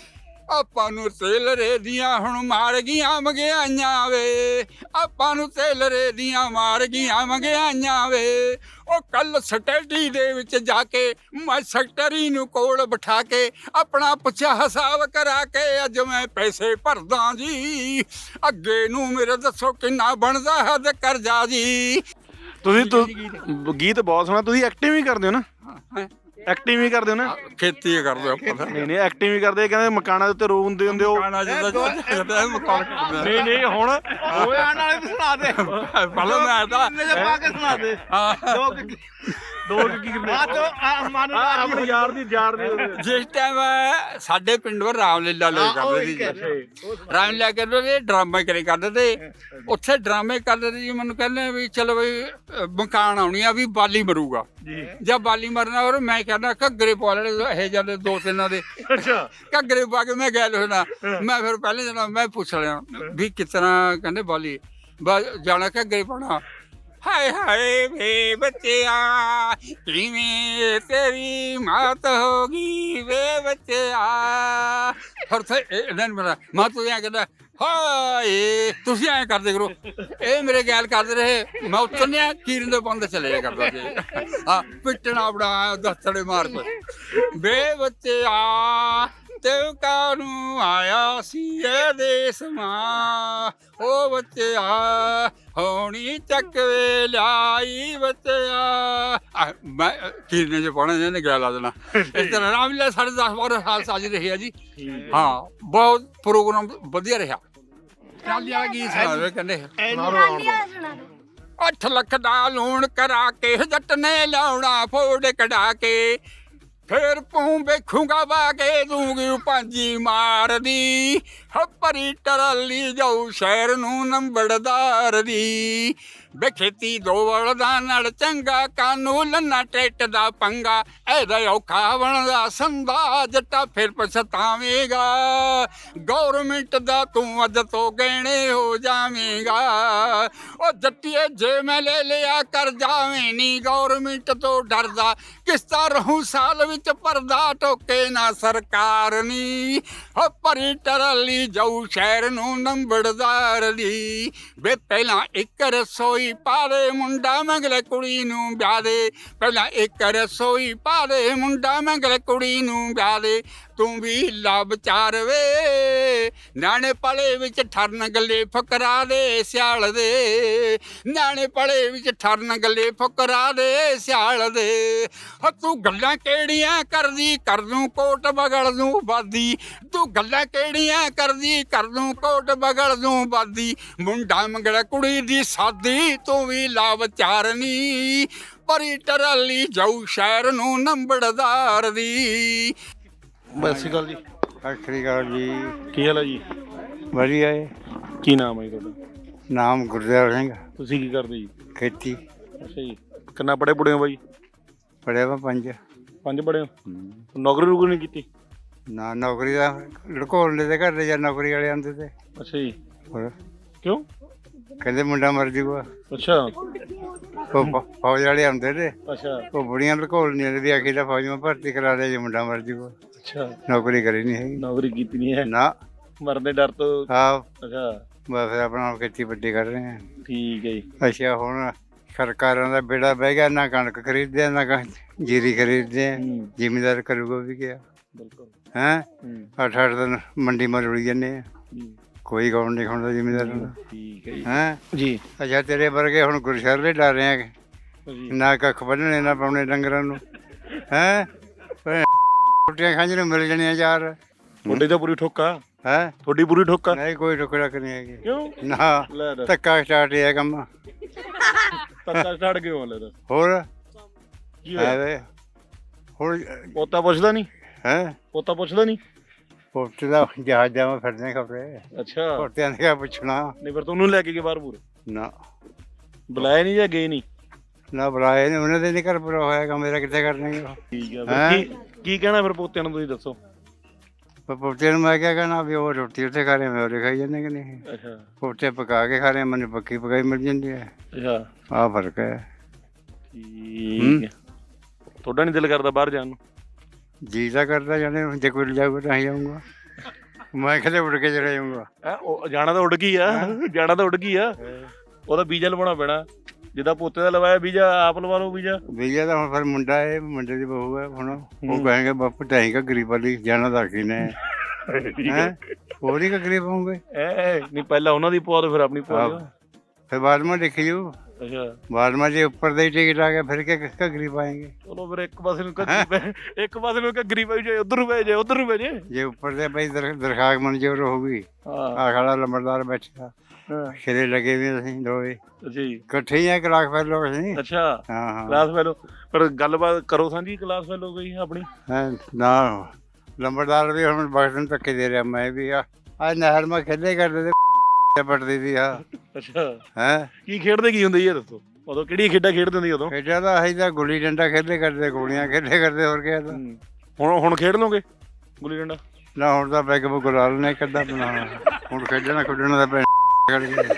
S1: ਆਪਾਂ ਨੂੰ ਤੇਲਰੇ ਦੀਆਂ ਹੁਣ ਮਾਰ ਗਈਆਂ ਮਹਿੰਗਾਈਆਂ ਵੇ, ਆਪਾਂ ਨੂੰ ਤੇਲਰੇ ਦੀਆਂ ਮਾਰ ਗਈਆਂ ਮਹਿੰਗਾਈਆਂ ਵੇ। ਉਹ ਕੱਲ ਸਟੱਡੀ ਦੇ ਵਿੱਚ ਜਾ ਕੇ ਮੈਂ ਸੈਕਟਰੀ ਨੂੰ ਕੋਲ ਬਿਠਾ ਕੇ ਆਪਣਾ ਪੁੱਛਿਆ ਹਿਸਾਬ ਕਰਾ ਕੇ ਅੱਜ ਮੈਂ ਪੈਸੇ ਭਰਦਾ ਜੀ, ਅੱਗੇ ਨੂੰ ਮੇਰੇ ਦੱਸੋ ਕਿੰਨਾ ਬਣਦਾ ਹੈ ਤੇ ਕਰਜ਼ਾ ਜੀ।
S2: ਤੁਸੀਂ ਤੁ- ਗੀਤ ਬਹੁਤ ਸੋਹਣਾ, ਤੁਸੀਂ ਐਕਟਿੰਗ ਵੀ ਕਰਦੇ ਹੋ ਨਾ? ਐਕਟਿੰਗ ਵੀ ਕਰਦੇ ਹੋ ਨਾ?
S1: ਖੇਤੀ ਕਰਦੇ ਆਪਾਂ ਤਾਂ।
S2: ਨਹੀਂ ਨਹੀਂ ਐਕਟਿੰਗ ਵੀ ਕਰਦੇ, ਕਹਿੰਦੇ ਮਕਾਨਾਂ ਦੇ ਉੱਤੇ ਰੋ ਹੁੰਦੇ ਹੁੰਦੇ ਹੋ।
S1: ਮਕਾਨਾਂ ਜਿੱਦਾਂ ਮਕਾਨ ਕਰਦੇ
S2: ਨਹੀਂ ਨਹੀਂ ਹੁਣ ਓਏ ਆਣ ਵਾਲੇ ਸੁਣਾ ਦੇ
S1: ਪਹਿਲਾਂ ਮੈਂ ਤਾਂ
S2: ਪਾ ਕੇ ਸੁਣਾ ਦੇ।
S1: ਹਾਂ
S2: ਦੋ ਕੀ ਦੋ ਕੀ ਕਿੰਨੇ ਆ ਤੋ ਮਨ ਆਪਣੀ ਯਾਰ ਦੀ ਯਾਰ ਦੀ
S1: ਜਿਸ ਟਾਈਮ ਸਾਡੇ ਪਿੰਡ ਵਰ ਰਾਮਲੀਲਾ ਲੋਕ ਕਰਦੇ ਸੀ ਜੀ, ਰਾਮਲੀਲਾ ਕਰਦੇ ਡਰਾਮੇ ਕਰੇ ਕਰਦੇ ਤੇ ਉੱਥੇ ਡਰਾਮੇ ਕਰਦੇ ਤੇ ਜੀ ਮੈਨੂੰ ਕਹਿੰਦੇ ਵੀ ਚਲੋ ਬਈ ਮਕਾਨ ਆਉਣੀ ਆ ਵੀ ਬਾਲੀ ਮਰੂਗਾ ਜੀ, ਜਦ ਬਾਲੀ ਮਰਨਾ ਔਰ ਮੈਂ ਕਹਿੰਦਾ ਘੱਗਰੇ ਪਾ ਲੈਣੇ ਇਹ ਜਾਂਦੇ ਦੋ ਤਿੰਨਾਂ ਦੇ। ਅੱਛਾ ਘੱਗਰੇ ਪਾ ਕੇ ਮੈਂ ਗੈਲ ਹੋਣਾ, ਮੈਂ ਫਿਰ ਪਹਿਲੇ ਜਣਾ ਮੈਂ ਪੁੱਛ ਲਿਆ ਵੀ ਕਿਸ ਤਰ੍ਹਾਂ, ਕਹਿੰਦੇ ਬਾਲੀ ਬਸ ਜਾਣਾ ਘੱਗਰੇ ਪਾਉਣਾ। ਹਾਏ ਹਾਏ ਵੇ ਬੱਚਿਆ ਕਿਵੇਂ ਤੇਰੀ ਮਾਤ ਹੋ ਗਈ ਵੇ ਬੱਚਿਆ। ਫਿਰ ਤੇ ਇਹਨਾਂ ਨੂੰ ਮੇਰਾ ਮਾਂ ਤੂੰ ਐਂ ਕਹਿੰਦਾ ਹਾਏ ਤੁਸੀਂ ਐਂ ਕਰਦੇ ਕਰੋ, ਇਹ ਮੇਰੇ ਗੈਲ ਕਰਦੇ ਰਹੇ। ਮੈਂ ਉਤਰਨਿਆ ਕੀਰਨ ਦੇ ਬੰਦ ਚਲੇ ਜਾ ਕਰਦਾ ਸੀ, ਹਾਂ ਪਿੱਟਣਾ ਬੜਾ ਦਸਤੜੇ ਮਾਰ ਕੇ ਵੇ ਬੱਚਿਆ ਤੇ ਕਾਨੂੰ ਆਇਆ ਸੀ ਇਹ ਦੇਸ ਮਾਂ। ਉਹ ਬੱਚਿਆ ਹੋਣੀ ਚੱਕ ਵੇ ਲਿਆਈ ਬੱਚਿਆ। ਮੈਂ ਕੀਰਨੇ 'ਚ ਪਾਉਣਾ ਇਹਨੇ ਗੈਲ ਲਾ ਦੇਣਾ। ਇਸ ਤਰ੍ਹਾਂ ਰਾਮਲੀਲਾ ਸਾਢੇ ਦਸ ਬਾਰਾਂ ਸਾਲ ਸਾਜ ਰਹੀ ਆ ਜੀ। ਹਾਂ ਬਹੁਤ ਪ੍ਰੋਗਰਾਮ ਵਧੀਆ ਰਿਹਾ। ਟਰਾਲੀਆਂ ਗੀਤ ਸੁਣਾਵੇ ਕਹਿੰਦੇ ਅੱਠ ਲੱਖ ਦਾ ਲੋਨ ਕਰਾ ਕੇ ਜੱਟ ਨੇ ਲਾਉਣਾ ਫੋੜ ਕਢਾ ਕੇ, ਫੇਰ ਪੂੰ ਵੇਖੂਗਾ ਵਾ ਕੇ ਦੂੰਗੀ ਪਾਂਜੀ ਮਾਰਦੀ। ਹੱਪਰੀ ਟਰਾਲੀ ਜਾਊ ਸ਼ਹਿਰ ਨੂੰ ਨੰਬੜਦਾਰ ਦੀ। ਵੇ ਖੇਤੀ ਦੋ ਬਲਦਾਂ ਨਾਲ ਚੰਗਾ ਕਾਨੂੰ ਲੰਨਾ ਟਰੈਕਟਰ ਦਾ ਪੰਗਾ। ਇਹਦਾ ਔਖਾ ਬਣਦਾ ਸੰਦਾ ਜੱਟਾ ਫਿਰ ਪਛਤਾਵੇਂਗਾ। ਗੌਰਮੈਂਟ ਦਾ ਤੂੰ ਅੱਜ ਤੋਂ ਗਹਿਣੇ ਹੋ ਜਾਵੇਂਗਾ। ਉਹ ਜੱਟੀਏ ਜੇ ਮੈਂ ਲੈ ਲਿਆ ਕਰ ਜਾਵੇਂ ਨੀ ਗੌਰਮੈਂਟ ਤੋਂ ਡਰਦਾ। ਕਿਸ਼ਤਾਂ ਰਹੂੰ ਸਾਲ ਵਿੱਚ ਭਰਦਾ ਟੋਕੇ ਨਾ ਸਰਕਾਰ ਨੀ। ਹੱਪਰੀ ਟਰਾਲੀ ਜਾਊ ਸ਼ਹਿਰ ਨੂੰ ਨੰਬੜਦਾਰ ਦੀ। ਵੇ ਪਹਿਲਾਂ ਇੱਕ ਰਸੋਈ ਪਾ ਦੇ ਮੁੰਡਾ ਮੰਗਲੇ ਕੁੜੀ ਨੂੰ ਵਿਆਹ ਦੇ। ਪਹਿਲਾਂ ਇੱਕ ਰਸੋਈ ਪਾ ਦੇ ਮੁੰਡਾ ਮੰਗਲੇ ਕੁੜੀ ਨੂੰ ਵਿਆਹ ਦੇ। ਤੂੰ ਵੀ ਲਾ ਵਿਚਾਰ ਵੇ ਨਿਆਣੇ ਪਲੇ ਵਿੱਚ ਠਰਨ ਗੱਲੇ ਫਕਰਾ ਦੇ ਸਿਆਲ ਦੇ। ਨਿਆਣੇ ਪਲੇ ਵਿੱਚ ਠਰਨ ਗੱਲੇ ਫਕਰਾ ਦੇ ਸਿਆਲ ਦੇ। ਤੂੰ ਗੱਲਾਂ ਕਿਹੜੀਆਂ ਕਰਦੀ ਕਰ ਦੂੰ ਕੋਟ ਬਗਲ ਦੂੰ ਬਾਦੀ। ਤੂੰ ਗੱਲਾਂ ਕਿਹੜੀਆਂ ਕਰਦੀ ਕਰ ਦੂੰ ਕੋਟ ਬਗਲ ਦੂੰ ਬਾਦੀ। ਮੁੰਡਾ ਮੰਗਲਾ ਕੁੜੀ ਦੀ ਸਾਦੀ ਤੂੰ ਵੀ ਲਾ ਵਿਚਾਰ ਨੀ। ਪਰੀ ਟਰਾਲੀ ਜਾਊ ਸ਼ਹਿਰ ਨੂੰ ਨੰਬੜਦਾਰ ਦੀ।
S2: ਸਤਿ ਸ਼੍ਰੀ ਅਕਾਲ ਜੀ।
S3: ਸਤਿ ਸ਼੍ਰੀ ਅਕਾਲ ਜੀ।
S2: ਕੀ ਹਾਲ ਹੈ ਜੀ?
S3: ਵਧੀਆ ਹੈ।
S2: ਕੀ ਨਾਮ ਹੈ ਜੀ ਤੁਹਾਡਾ?
S3: ਨਾਮ ਗੁਰਦੇਵ ਸਿੰਘ।
S2: ਤੁਸੀਂ ਕੀ ਕਰਦੇ ਜੀ?
S3: ਖੇਤੀ।
S2: ਅੱਛਾ ਜੀ। ਕਿੰਨਾ ਪੜ੍ਹੇ ਪੁੜੇ ਹੋ ਬਾਈ?
S3: ਪੜ੍ਹਿਆ ਵਾ ਪੰਜ।
S2: ਪੰਜ ਪੜ੍ਹੇ ਹੋ? ਨੌਕਰੀ ਨੌਕਰੀ ਨਹੀਂ ਕੀਤੀ?
S3: ਨਾ ਨੌਕਰੀ ਦਾ ਲੜਕੋਲੇ ਦੇ ਘਰ ਦੇ ਜਾਂ ਨੌਕਰੀ ਵਾਲੇ ਆਉਂਦੇ ਤੇ।
S2: ਅੱਛਾ ਜੀ।
S3: ਹੋਰ
S2: ਕਿਉਂ?
S3: ਕਹਿੰਦੇ ਮੁੰਡਾ ਮਰ ਜੂਗਾ।
S2: ਅੱਛਾ।
S3: ਉਹ ਫ- ਫੌਜ ਵਾਲੇ ਆਉਂਦੇ ਤੇ
S2: ਅੱਛਾ
S3: ਉਹ ਬੁੜੀਆਂ ਲੜਕੋਲ ਨਹੀਂ ਆਉਂਦੀ ਆਖੀ ਦਾ ਫੌਜ ਮੈਂ ਭਰਤੀ ਕਰਾ ਦੇ ਜੇ ਮੁੰਡਾ ਮਰ ਜੂਗਾ।
S2: ਅੱਛਾ।
S3: ਨੌਕਰੀ ਕਰੀ ਨਹੀਂ ਹੈਗੀ
S2: ਨੌਕਰੀ ਕੀਤੀ ਨਹੀਂ ਹੈ?
S3: ਨਾ।
S2: ਮਰਨ ਦੇ ਡਰ ਤੋਂ?
S3: ਆਹ
S2: ਅੱਛਾ
S3: ਬਸ ਆਪਣਾ ਖੇਤੀ ਵੱਡੀ ਕਰ ਰਹੇ ਹਾਂ।
S2: ਠੀਕ ਹੈ ਜੀ।
S3: ਅੱਛਾ ਹੁਣ ਸਰਕਾਰਾਂ ਦਾ ਬੇੜਾ ਬਹਿ ਗਿਆ, ਨਾ ਕਣਕ ਖਰੀਦਦੇ ਨਾ ਕਣਕ ਜੀਰੀ ਖਰੀਦਦੇ ਆ। ਜ਼ਿਮੀਦਾਰ ਕਰੂਗਾ ਵੀ ਕਿਆ?
S2: ਬਿਲਕੁਲ।
S3: ਹੈਂ ਅੱਠ ਅੱਠ ਦਿਨ ਮੰਡੀ ਮਾ ਰੁਲੀ ਜਾਂਦੇ ਆ, ਕੋਈ ਗੌਣ ਨਹੀਂ ਖਾਉਂਦਾ ਜ਼ਿਮੀਦਾਰ ਨੂੰ।
S2: ਠੀਕ ਹੈ ਜੀ।
S3: ਹੈਂ
S2: ਜੀ।
S3: ਅੱਛਾ ਤੇਰੇ ਵਰਗੇ ਹੁਣ ਗੁਰਸ਼ਰਲੇ ਡਰ ਰਹੇ ਆ, ਨਾ ਕੱਖ ਬੰਨਣੇ ਨਾ ਪਾਉਣੇ ਡੰਗਰਾਂ ਨੂੰ। ਹੈਂ ਰੋਟੀਆਂ ਖਾਂਝ ਨੂੰ ਮਿਲ ਜਾਣੀਆਂ ਯਾਰ।
S2: ਤੁਹਾਡੀ ਤਾਂ ਪੂਰੀ ਠੋਕਾ
S3: ਹੈਂ?
S2: ਤੁਹਾਡੀ ਪੂਰੀ ਠੋਕਾ?
S3: ਨਹੀਂ ਕੋਈ ਰੁਕ ਰਕ ਨਹੀਂ ਹੈਗੀ।
S2: ਕਿਉਂ?
S3: ਨਾ
S2: ਲੈ ਦੱਸ।
S3: ਧੱਕਾ ਸਟਾਰਟ ਹੈ ਕੰਮ।
S2: ਧੱਕਾ ਛੱਡ ਕੇ ਹੋ ਲੈ ਦੱਸ।
S3: ਹੋਰ
S2: ਕੀ ਹੋਇਆ?
S3: ਐਵੇਂ ਹੁਣ
S2: ਪੋਤਾ ਪੁੱਛਦਾ ਨਹੀਂ?
S3: ਹੈਂ
S2: ਪੋਤਾ ਪੁੱਛਦਾ ਨਹੀਂ?
S3: ਪੋਤੇ ਦਾ ਜਹਾਜ਼ਾਂ ਵਿੱਚ ਫਿਰਦੇ ਖਬਰੇ।
S2: ਅੱਛਾ।
S3: ਪੋਤਿਆਂ ਨੇ ਕਿਆ ਪੁੱਛਣਾ।
S2: ਨਹੀਂ ਫਿਰ ਤੁਹਾਨੂੰ ਲੈ ਕੇ ਗਏ ਬਾਹਰ ਪੂਰੇ?
S3: ਨਾ
S2: ਬੁਲਾਇਆ ਨਹੀਂ ਜਾਂ ਗਏ ਨਹੀਂ?
S3: ਨਾ ਬੁਲਾਏ ਨੇ, ਉਹਨਾਂ ਦੇ ਨਹੀਂ ਘਰ ਪੂਰਾ ਹੋਇਆ, ਮੇਰਾ ਕਿੱਥੇ ਕਰਨਗੇ ਉਹ।
S2: ਠੀਕ ਆ। ਫਿਰ ਕੀ ਕੀ ਕਹਿਣਾ ਫਿਰ ਪੋਤਿਆਂ ਨੂੰ ਤੁਸੀਂ ਦੱਸੋ?
S3: ਪੋਤੇ ਨੂੰ ਮੈਂ ਕਿਆ ਕਹਿਣਾ ਵੀ ਉਹ ਰੋਟੀ ਉੱਥੇ ਖਾ ਰਹੇ, ਮੈਂ ਉਰੇ ਖਾਈ ਜਾਂਦੇ ਕਿ ਨਹੀਂ।
S2: ਅੱਛਾ।
S3: ਪੋਤੇ ਪਕਾ ਕੇ ਖਾ ਰਹੇ, ਮੈਨੂੰ ਪੱਕੀ ਪਕਾਈ ਮਿਲ ਜਾਂਦੀ ਹੈ।
S2: ਅੱਛਾ।
S3: ਆਹ ਫਰਕ ਹੈ।
S2: ਠੀਕ ਹੈ। ਤੁਹਾਡਾ ਨਹੀਂ ਦਿਲ ਕਰਦਾ ਬਾਹਰ ਜਾਣ ਨੂੰ?
S3: ਜੀ ਤਾਂ ਕਰਦਾ ਜਾਣੇ, ਜੇ ਕੋਈ ਜਾਊਗਾ ਤਾਂ ਹੀ ਜਾਊਂਗਾ। ਮੈਂ ਕਿਤੇ ਉੱਡ ਕੇ ਚਲੇ ਜਾਊਂਗਾ।
S2: ਹੈਂ, ਉਹ ਜਾਣਾ ਤਾਂ ਉੱਡ ਗਈ ਆ ਜਾਣਾ ਤਾਂ ਉੱਡ ਗਈ ਆ ਉਹਦਾ ਵੀਜ਼ਾ ਲਵਾਉਣਾ ਪੈਣਾ ਜਿੱਦਾਂ ਪੋਤੇ ਦਾ ਲਵਾਇਆ ਵੀਜ਼ਾ ਆਪ ਲਵਾ ਲਓ ਵੀਜ਼ਾ
S3: ਵੀਜ਼ਾ ਤਾਂ ਹੁਣ ਫਿਰ ਮੁੰਡਾ ਹੈ ਮੁੰਡੇ ਦੀ ਬਹੂ ਹੈ ਹੁਣ ਉਹ ਕਹੇਂਗੇ ਬਾਪੂ ਢਾਈ ਕਾ ਗਰੀਬ ਵਾਲੀ ਜਾਣਾ ਤਾਂ ਕੀ ਨੇ ਹੈ ਉਹ ਨਹੀਂ ਕਾ ਗਰੀਬ ਹੋਊਗੇ
S2: ਐ ਨਹੀਂ ਪਹਿਲਾਂ ਉਹਨਾਂ ਦੀ ਪਵਾ ਦੋ ਫਿਰ ਆਪਣੀ ਪਵਾ ਦਿਓ
S3: ਫਿਰ ਬਾਅਦ में देखी जू
S2: ਅੱਛਾ
S3: बाद में जो ऊपर दे टिकट आ गया फिर क्या किसका गरीब आएंगे
S2: ਚਲੋ ਫਿਰ ਇੱਕ ਪਾਸੇ ਨੂੰ ਘੱਗਰੀ ਪੈ ਇੱਕ ਪਾਸੇ ਨੂੰ ਘੱਗਰੀ ਪੈ ਜਾਏ ਉਧਰ ਨੂੰ ਪੈ ਜਾਏ ਉਧਰ ਨੂੰ ਪੈ ਜਾਏ
S3: जे ऊपर से भाई दर, दरखास्त मंजूर होगी
S2: ਹਾਂ
S3: आ खड़ा लंबरदार बैठा
S2: ਹਾਂ
S3: खिले लगे हुए ਅਸੀਂ ਦੋਵੇਂ
S2: ਅੱਛਾ ਜੀ
S3: ਇਕੱਠੇ ਹੀ ਆ ਕਲਾਸ ਫੈਲੋ ਅਸੀਂ
S2: ਅੱਛਾ
S3: ਹਾਂ ਹਾਂ
S2: ਕਲਾਸ ਫੈਲੋ ਪਰ ਗੱਲਬਾਤ ਕਰੋ ਸਾਂਝੀ ਕਲਾਸ ਫੈਲੋ ਗਈ ਆਪਣੀ
S3: ਹੈਂ, ਨਾ ਲੰਬਰਦਾਰ ਵੀ ਹੁਣ ਬਖਸ਼ਣ ਧੱਕੇ ਦੇ ਰਿਹਾ ਮੈਂ ਵੀ ਆ ਆ ਨਹਿਰ ਮੈਂ ਖੇਡੇ ਕਰਦੇ ਤੇ ਪੜਦੀ ਸੀ ਆ
S2: ਅੱਛਾ
S3: ਹੈ
S2: ਕੀ ਖੇਡਦੇ ਕੀ ਹੁੰਦੇ ਜੀ ਇਹ ਦੱਸੋ ਉਦੋਂ ਕਿਹੜੀ ਖੇਡਾਂ ਖੇਡਦੇ ਹੁੰਦੇ ਉਦੋਂ
S3: ਖੇਡਿਆ ਤਾਂ ਅਸੀਂ ਤਾਂ ਗੁੱਲੀ ਡੰਡਾ ਖੇਡੇ ਕਰਦੇ ਗੋਲੀਆਂ ਖੇਡੇ ਕਰਦੇ ਹੋਰ ਕਿਆ ਤਾਂ
S2: ਹੁਣ ਹੁਣ ਖੇਡ ਲੋਗੇ ਗੁੱਲੀ ਡੰਡਾ
S3: ਨਾ ਹੁਣ ਤਾਂ ਪੈਗ ਬੁੱਕ ਲਾ ਲੈਣੇ ਕਿੱਦਾਂ ਬਣਾਉਣਾ ਹੁਣ ਖੇਡਣਾ ਖੁੱਡਣਾ ਦਾ ਪੈ ਕਰ ਗਿਆ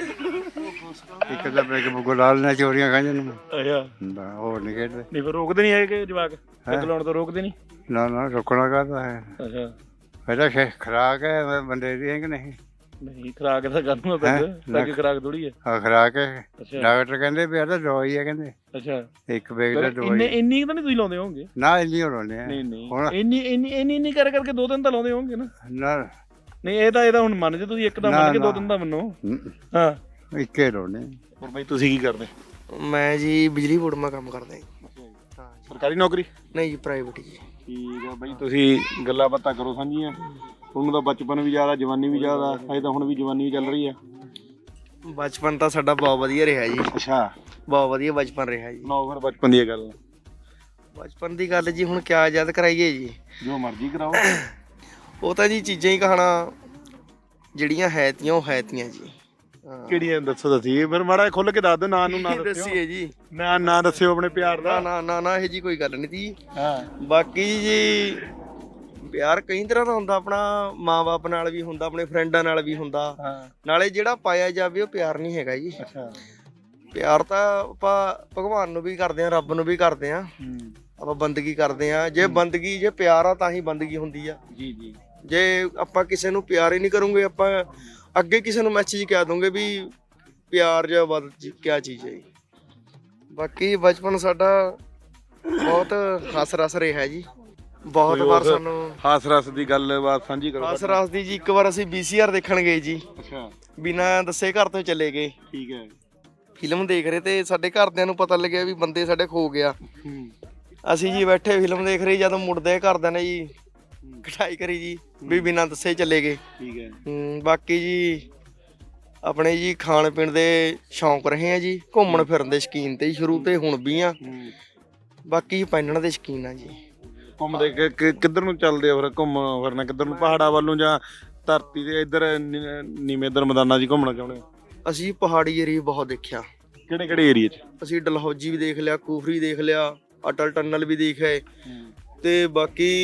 S3: ਇੱਕ ਤਾਂ ਪੈਗ ਬੁੱਕ ਲਾ ਲੈਣਾ ਚੋਰੀਆਂ ਖਾਂਦੇ ਨੂੰ
S2: ਅੱਛਾ
S3: ਹੋਰ ਨਹੀਂ ਖੇਡਦੇ
S2: ਨਹੀਂ ਫਿਰ ਰੋਕਦੇ ਨਹੀਂ ਹੈਗੇ ਜਵਾਕ ਪੈਗ ਲਾਉਣ ਤੋਂ ਰੋਕਦੇ ਨਹੀਂ
S3: ਨਾ ਨਾ ਰੁਕਣਾ ਕਾਹਦਾ ਹੈ
S2: ਅੱਛਾ
S3: ਪਹਿਲਾਂ ਖੇ ਖਰਾਕ ਹੈ ਬੰਦੇ ਦੀ ਹੈ ਕਿ ਨਹੀਂ
S2: ਨਹੀਂ ਖਰਾਕ ਤਾਂ ਕਰਨਾ ਪੈਗ ਪੈਗ ਖਰਾਕ ਥੋੜੀ ਹੈ
S3: ਆ ਖਰਾਕ ਹੈ
S2: ਅੱਛਾ
S3: ਡਾਕਟਰ ਕਹਿੰਦੇ ਵੀ ਆ ਤਾਂ ਦਵਾਈ ਹੈ ਕਹਿੰਦੇ
S2: ਅੱਛਾ
S3: ਇੱਕ ਬੈਗ ਦਾ
S2: ਇੰਨੇ
S3: ਦਵਾਈ
S2: ਇੰਨੀ ਤਾਂ ਨਹੀਂ ਤੁਸੀਂ ਲਾਉਂਦੇ ਹੋਵੋਗੇ
S3: ਨਾ ਇੰਨੀ ਹੋਣੇ ਆ
S2: ਨਹੀਂ ਨਹੀਂ
S3: ਹੁਣ
S2: ਇੰਨੀ ਇੰਨੀ ਇੰਨੀ ਇੰਨੀ ਕਰ ਕਰਕੇ ਦੋ ਦਿਨ ਤਾਂ ਲਾਉਂਦੇ ਹੋਵੋਗੇ ਨਾ
S3: ਨਾ
S2: ਨਹੀਂ ਇਹ ਤਾਂ ਇਹ ਤਾਂ ਹੁਣ ਮੰਨ ਜੇ ਤੁਸੀਂ ਇੱਕ ਤਾਂ ਮੰਨ ਕੇ ਦੋ ਦਿਨ ਦਾ ਮੰਨੋ ਹਾਂ
S3: ਇੱਕੇ ਰੋਣੇ
S2: ਹੋਰ ਬਾਈ ਤੁਸੀਂ ਕੀ ਕਰਦੇ
S4: ਮੈਂ ਜੀ ਬਿਜਲੀ ਬੋਰਡ ਮਾ ਕੰਮ ਕਰਦਾ ਜੀ। ਹਾਂ ਜੀ।
S2: ਸਰਕਾਰੀ ਨੌਕਰੀ
S4: ਨਹੀਂ ਜੀ ਪ੍ਰਾਈਵੇਟ ਜੀ।
S2: ਠੀਕ ਆ ਬਾਈ ਤੁਸੀਂ ਗੱਲਾਂ ਬਾਤਾਂ ਕਰੋ ਸਾਂਝੀਆਂ ਤੁਹਾਨੂੰ ਤਾਂ ਬਚਪਨ ਵੀ ਜ਼ਿਆਦਾ ਜਵਾਨੀ ਵੀ ਜ਼ਿਆਦਾ ਅਜੇ ਤਾਂ ਹੁਣ ਵੀ ਜਵਾਨੀ ਵੀ ਚੱਲ ਰਹੀ ਆ
S4: ਬਚਪਨ ਤਾਂ ਸਾਡਾ ਬਹੁਤ ਵਧੀਆ ਰਿਹਾ ਜੀ
S2: ਅੱਛਾ
S4: ਬਹੁਤ ਵਧੀਆ ਬਚਪਨ ਰਿਹਾ ਜੀ।
S2: ਨੌ ਫਿਰ ਬਚਪਨ ਦੀ ਗੱਲ
S4: ਬਚਪਨ ਦੀ ਗੱਲ ਜੀ ਹੁਣ ਕਿਆ ਯਾਦ ਕਰਾਈਏ ਜੀ
S2: ਜੋ ਮਰਜ਼ੀ ਕਰਾਓ
S4: ਉਹ ਤਾਂ ਜੀ ਚੀਜ਼ਾਂ ਹੀ ਕਹਾਣਾ ਜਿਹੜੀਆਂ ਹੈ ਤੀਆਂ ਉਹ ਹੈ ਤੀਆਂ ਜੀ। ਹਾਂ
S2: ਕਿਹੜੀਆਂ ਦੱਸੋ ਦੱਸੀ ਫਿਰ ਮਾੜਾ ਖੁੱਲ ਕੇ ਦੱਸ ਦਿਓ ਨਾਂ ਨੂੰ ਨਾ ਦੱਸਿਓ
S4: ਦੱਸੀਏ ਜੀ
S2: ਨਾ ਨਾ ਦੱਸਿਓ ਆਪਣੇ ਪਿਆਰ
S4: ਨਾ
S2: ਦਾ
S4: ਨਾ ਨਾ ਨਾ ਇਹ ਜੀ ਕੋਈ ਗੱਲ ਨਹੀਂ ਤੀ
S2: ਹਾਂ
S4: ਬਾਕੀ ਜੀ ਪਿਆਰ ਕਈ ਤਰ੍ਹਾਂ ਦਾ ਹੁੰਦਾ ਆਪਣਾ ਮਾਂ-ਬਾਪ ਨਾਲ ਵੀ ਹੁੰਦਾ ਆਪਣੇ ਫਰੈਂਡਾਂ ਨਾਲ ਵੀ ਹੁੰਦਾ
S2: ਹਾਂ
S4: ਨਾਲੇ ਜਿਹੜਾ ਪਾਇਆ ਜਾਵੇ ਉਹ ਪਿਆਰ ਨਹੀਂ ਹੈਗਾ ਜੀ।
S2: ਅੱਛਾ
S4: ਪਿਆਰ ਤਾਂ ਆਪਾਂ ਭਗਵਾਨ ਨੂੰ ਵੀ ਕਰਦੇ ਆ ਰੱਬ ਨੂੰ ਵੀ ਕਰਦੇ ਆ
S2: ਹੂੰ
S4: ਆਪਾਂ ਬੰਦਗੀ ਕਰਦੇ ਆ ਜੇ ਬੰਦਗੀ ਜੇ ਪਿਆਰ ਆ ਤਾਂ ਹੀ ਬੰਦਗੀ ਹੁੰਦੀ ਆ
S2: ਜੀ ਜੀ
S4: ਜੇ ਆਪਾਂ ਕਿਸੇ ਨੂੰ ਪਿਆਰ ਹੀ ਨਹੀਂ ਕਰੂੰਗੇ ਆਪਾਂ ਅੱਗੇ ਕਿਸੇ ਨੂੰ ਮੈਸੇਜ ਕਹਿ ਦੂੰਗੇ ਵੀ ਪਿਆਰ ਜਾਂ ਵੱਧ ਕਿਆ ਚੀਜ਼ ਹੈ ਜੀ। ਬਾਕੀ ਬਚਪਨ ਸਾਡਾ ਬਹੁਤ ਹੱਸ ਰਸ ਰਿਹਾ ਜੀ ਬਹੁਤ ਵਾਰ ਸਾਨੂੰ
S2: ਹਾਸ ਰਸ ਦੀ ਗੱਲਬਾਤ ਸਾਂਝੀ ਕਰੋ
S4: ਹੱਸ ਰਸ ਦੀ ਜੀ ਇੱਕ ਵਾਰ ਅਸੀਂ ਵੀ ਸੀ ਆਰ ਦੇਖਣ ਗਏ ਜੀ
S2: ਅੱਛਾ
S4: ਬਿਨਾਂ ਦੱਸੇ ਘਰ ਤੋਂ ਚਲੇ ਗਏ
S2: ਠੀਕ ਹੈ
S4: ਫਿਲਮ ਦੇਖ ਰਹੇ ਤੇ ਸਾਡੇ ਘਰਦਿਆਂ ਨੂੰ ਪਤਾ ਲੱਗਿਆ ਵੀ ਬੰਦੇ ਸਾਡੇ ਖੋ ਗਿਆ
S2: ਹੂੰ
S4: ਅਸੀਂ ਜੀ ਬੈਠੇ ਫਿਲਮ ਦੇਖ ਰਹੇ ਜਦੋਂ ਮੁੜਦੇ ਘਰਦਿਆਂ ਨੇ ਜੀ ਕਟਾਈ ਕਰੀ ਜੀ ਵੀ ਬਿਨਾਂ ਦੱਸੇ ਚਲੇ ਗਏ।
S2: ਠੀਕ ਹੈ
S4: ਹੂੰ ਬਾਕੀ ਜੀ ਆਪਣੇ ਜੀ ਖਾਣ ਪੀਣ ਦੇ ਸ਼ੌਂਕ ਰਹੇ ਆ ਜੀ ਘੁੰਮਣ ਫਿਰਨ ਦੇ ਸ਼ੌਕੀਨ ਤੇ ਸ਼ੁਰੂ ਤੇ ਹੁਣ ਵੀ ਆ ਬਾਕੀ ਪਹਿਨਣ ਦੇ ਸ਼ੌਕੀਨ ਆ ਜੀ।
S2: ਘੁੰਮਦੇ ਕਿ- ਕਿ- ਕਿੱਧਰ ਨੂੰ ਚੱਲਦੇ ਆ ਫਿਰ ਘੁੰਮ ਫਿਰਨਾ ਕਿੱਧਰ ਨੂੰ ਪਹਾੜਾਂ ਵੱਲ ਨੂੰ ਜਾਂ ਧਰਤੀ ਦੇ ਇੱਧਰ ਨੀ- ਨੀਵੇਂ ਇੱਧਰ ਮੈਦਾਨਾਂ 'ਚ ਘੁੰਮਣਾ ਚਾਹੁੰਦੇ ਹੋ
S4: ਅਸੀਂ ਪਹਾੜੀ ਏਰੀਆ ਬਹੁਤ ਦੇਖਿਆ
S2: ਕਿਹੜੇ ਕਿਹੜੇ ਏਰੀਏ 'ਚ
S4: ਅਸੀਂ ਡਲਹੌਜੀ ਵੀ ਦੇਖ ਲਿਆ ਕੂਫਰੀ ਦੇਖ ਲਿਆ ਅਟਲ ਟਨਲ ਵੀ ਦੇਖਿਆ ਤੇ ਬਾਕੀ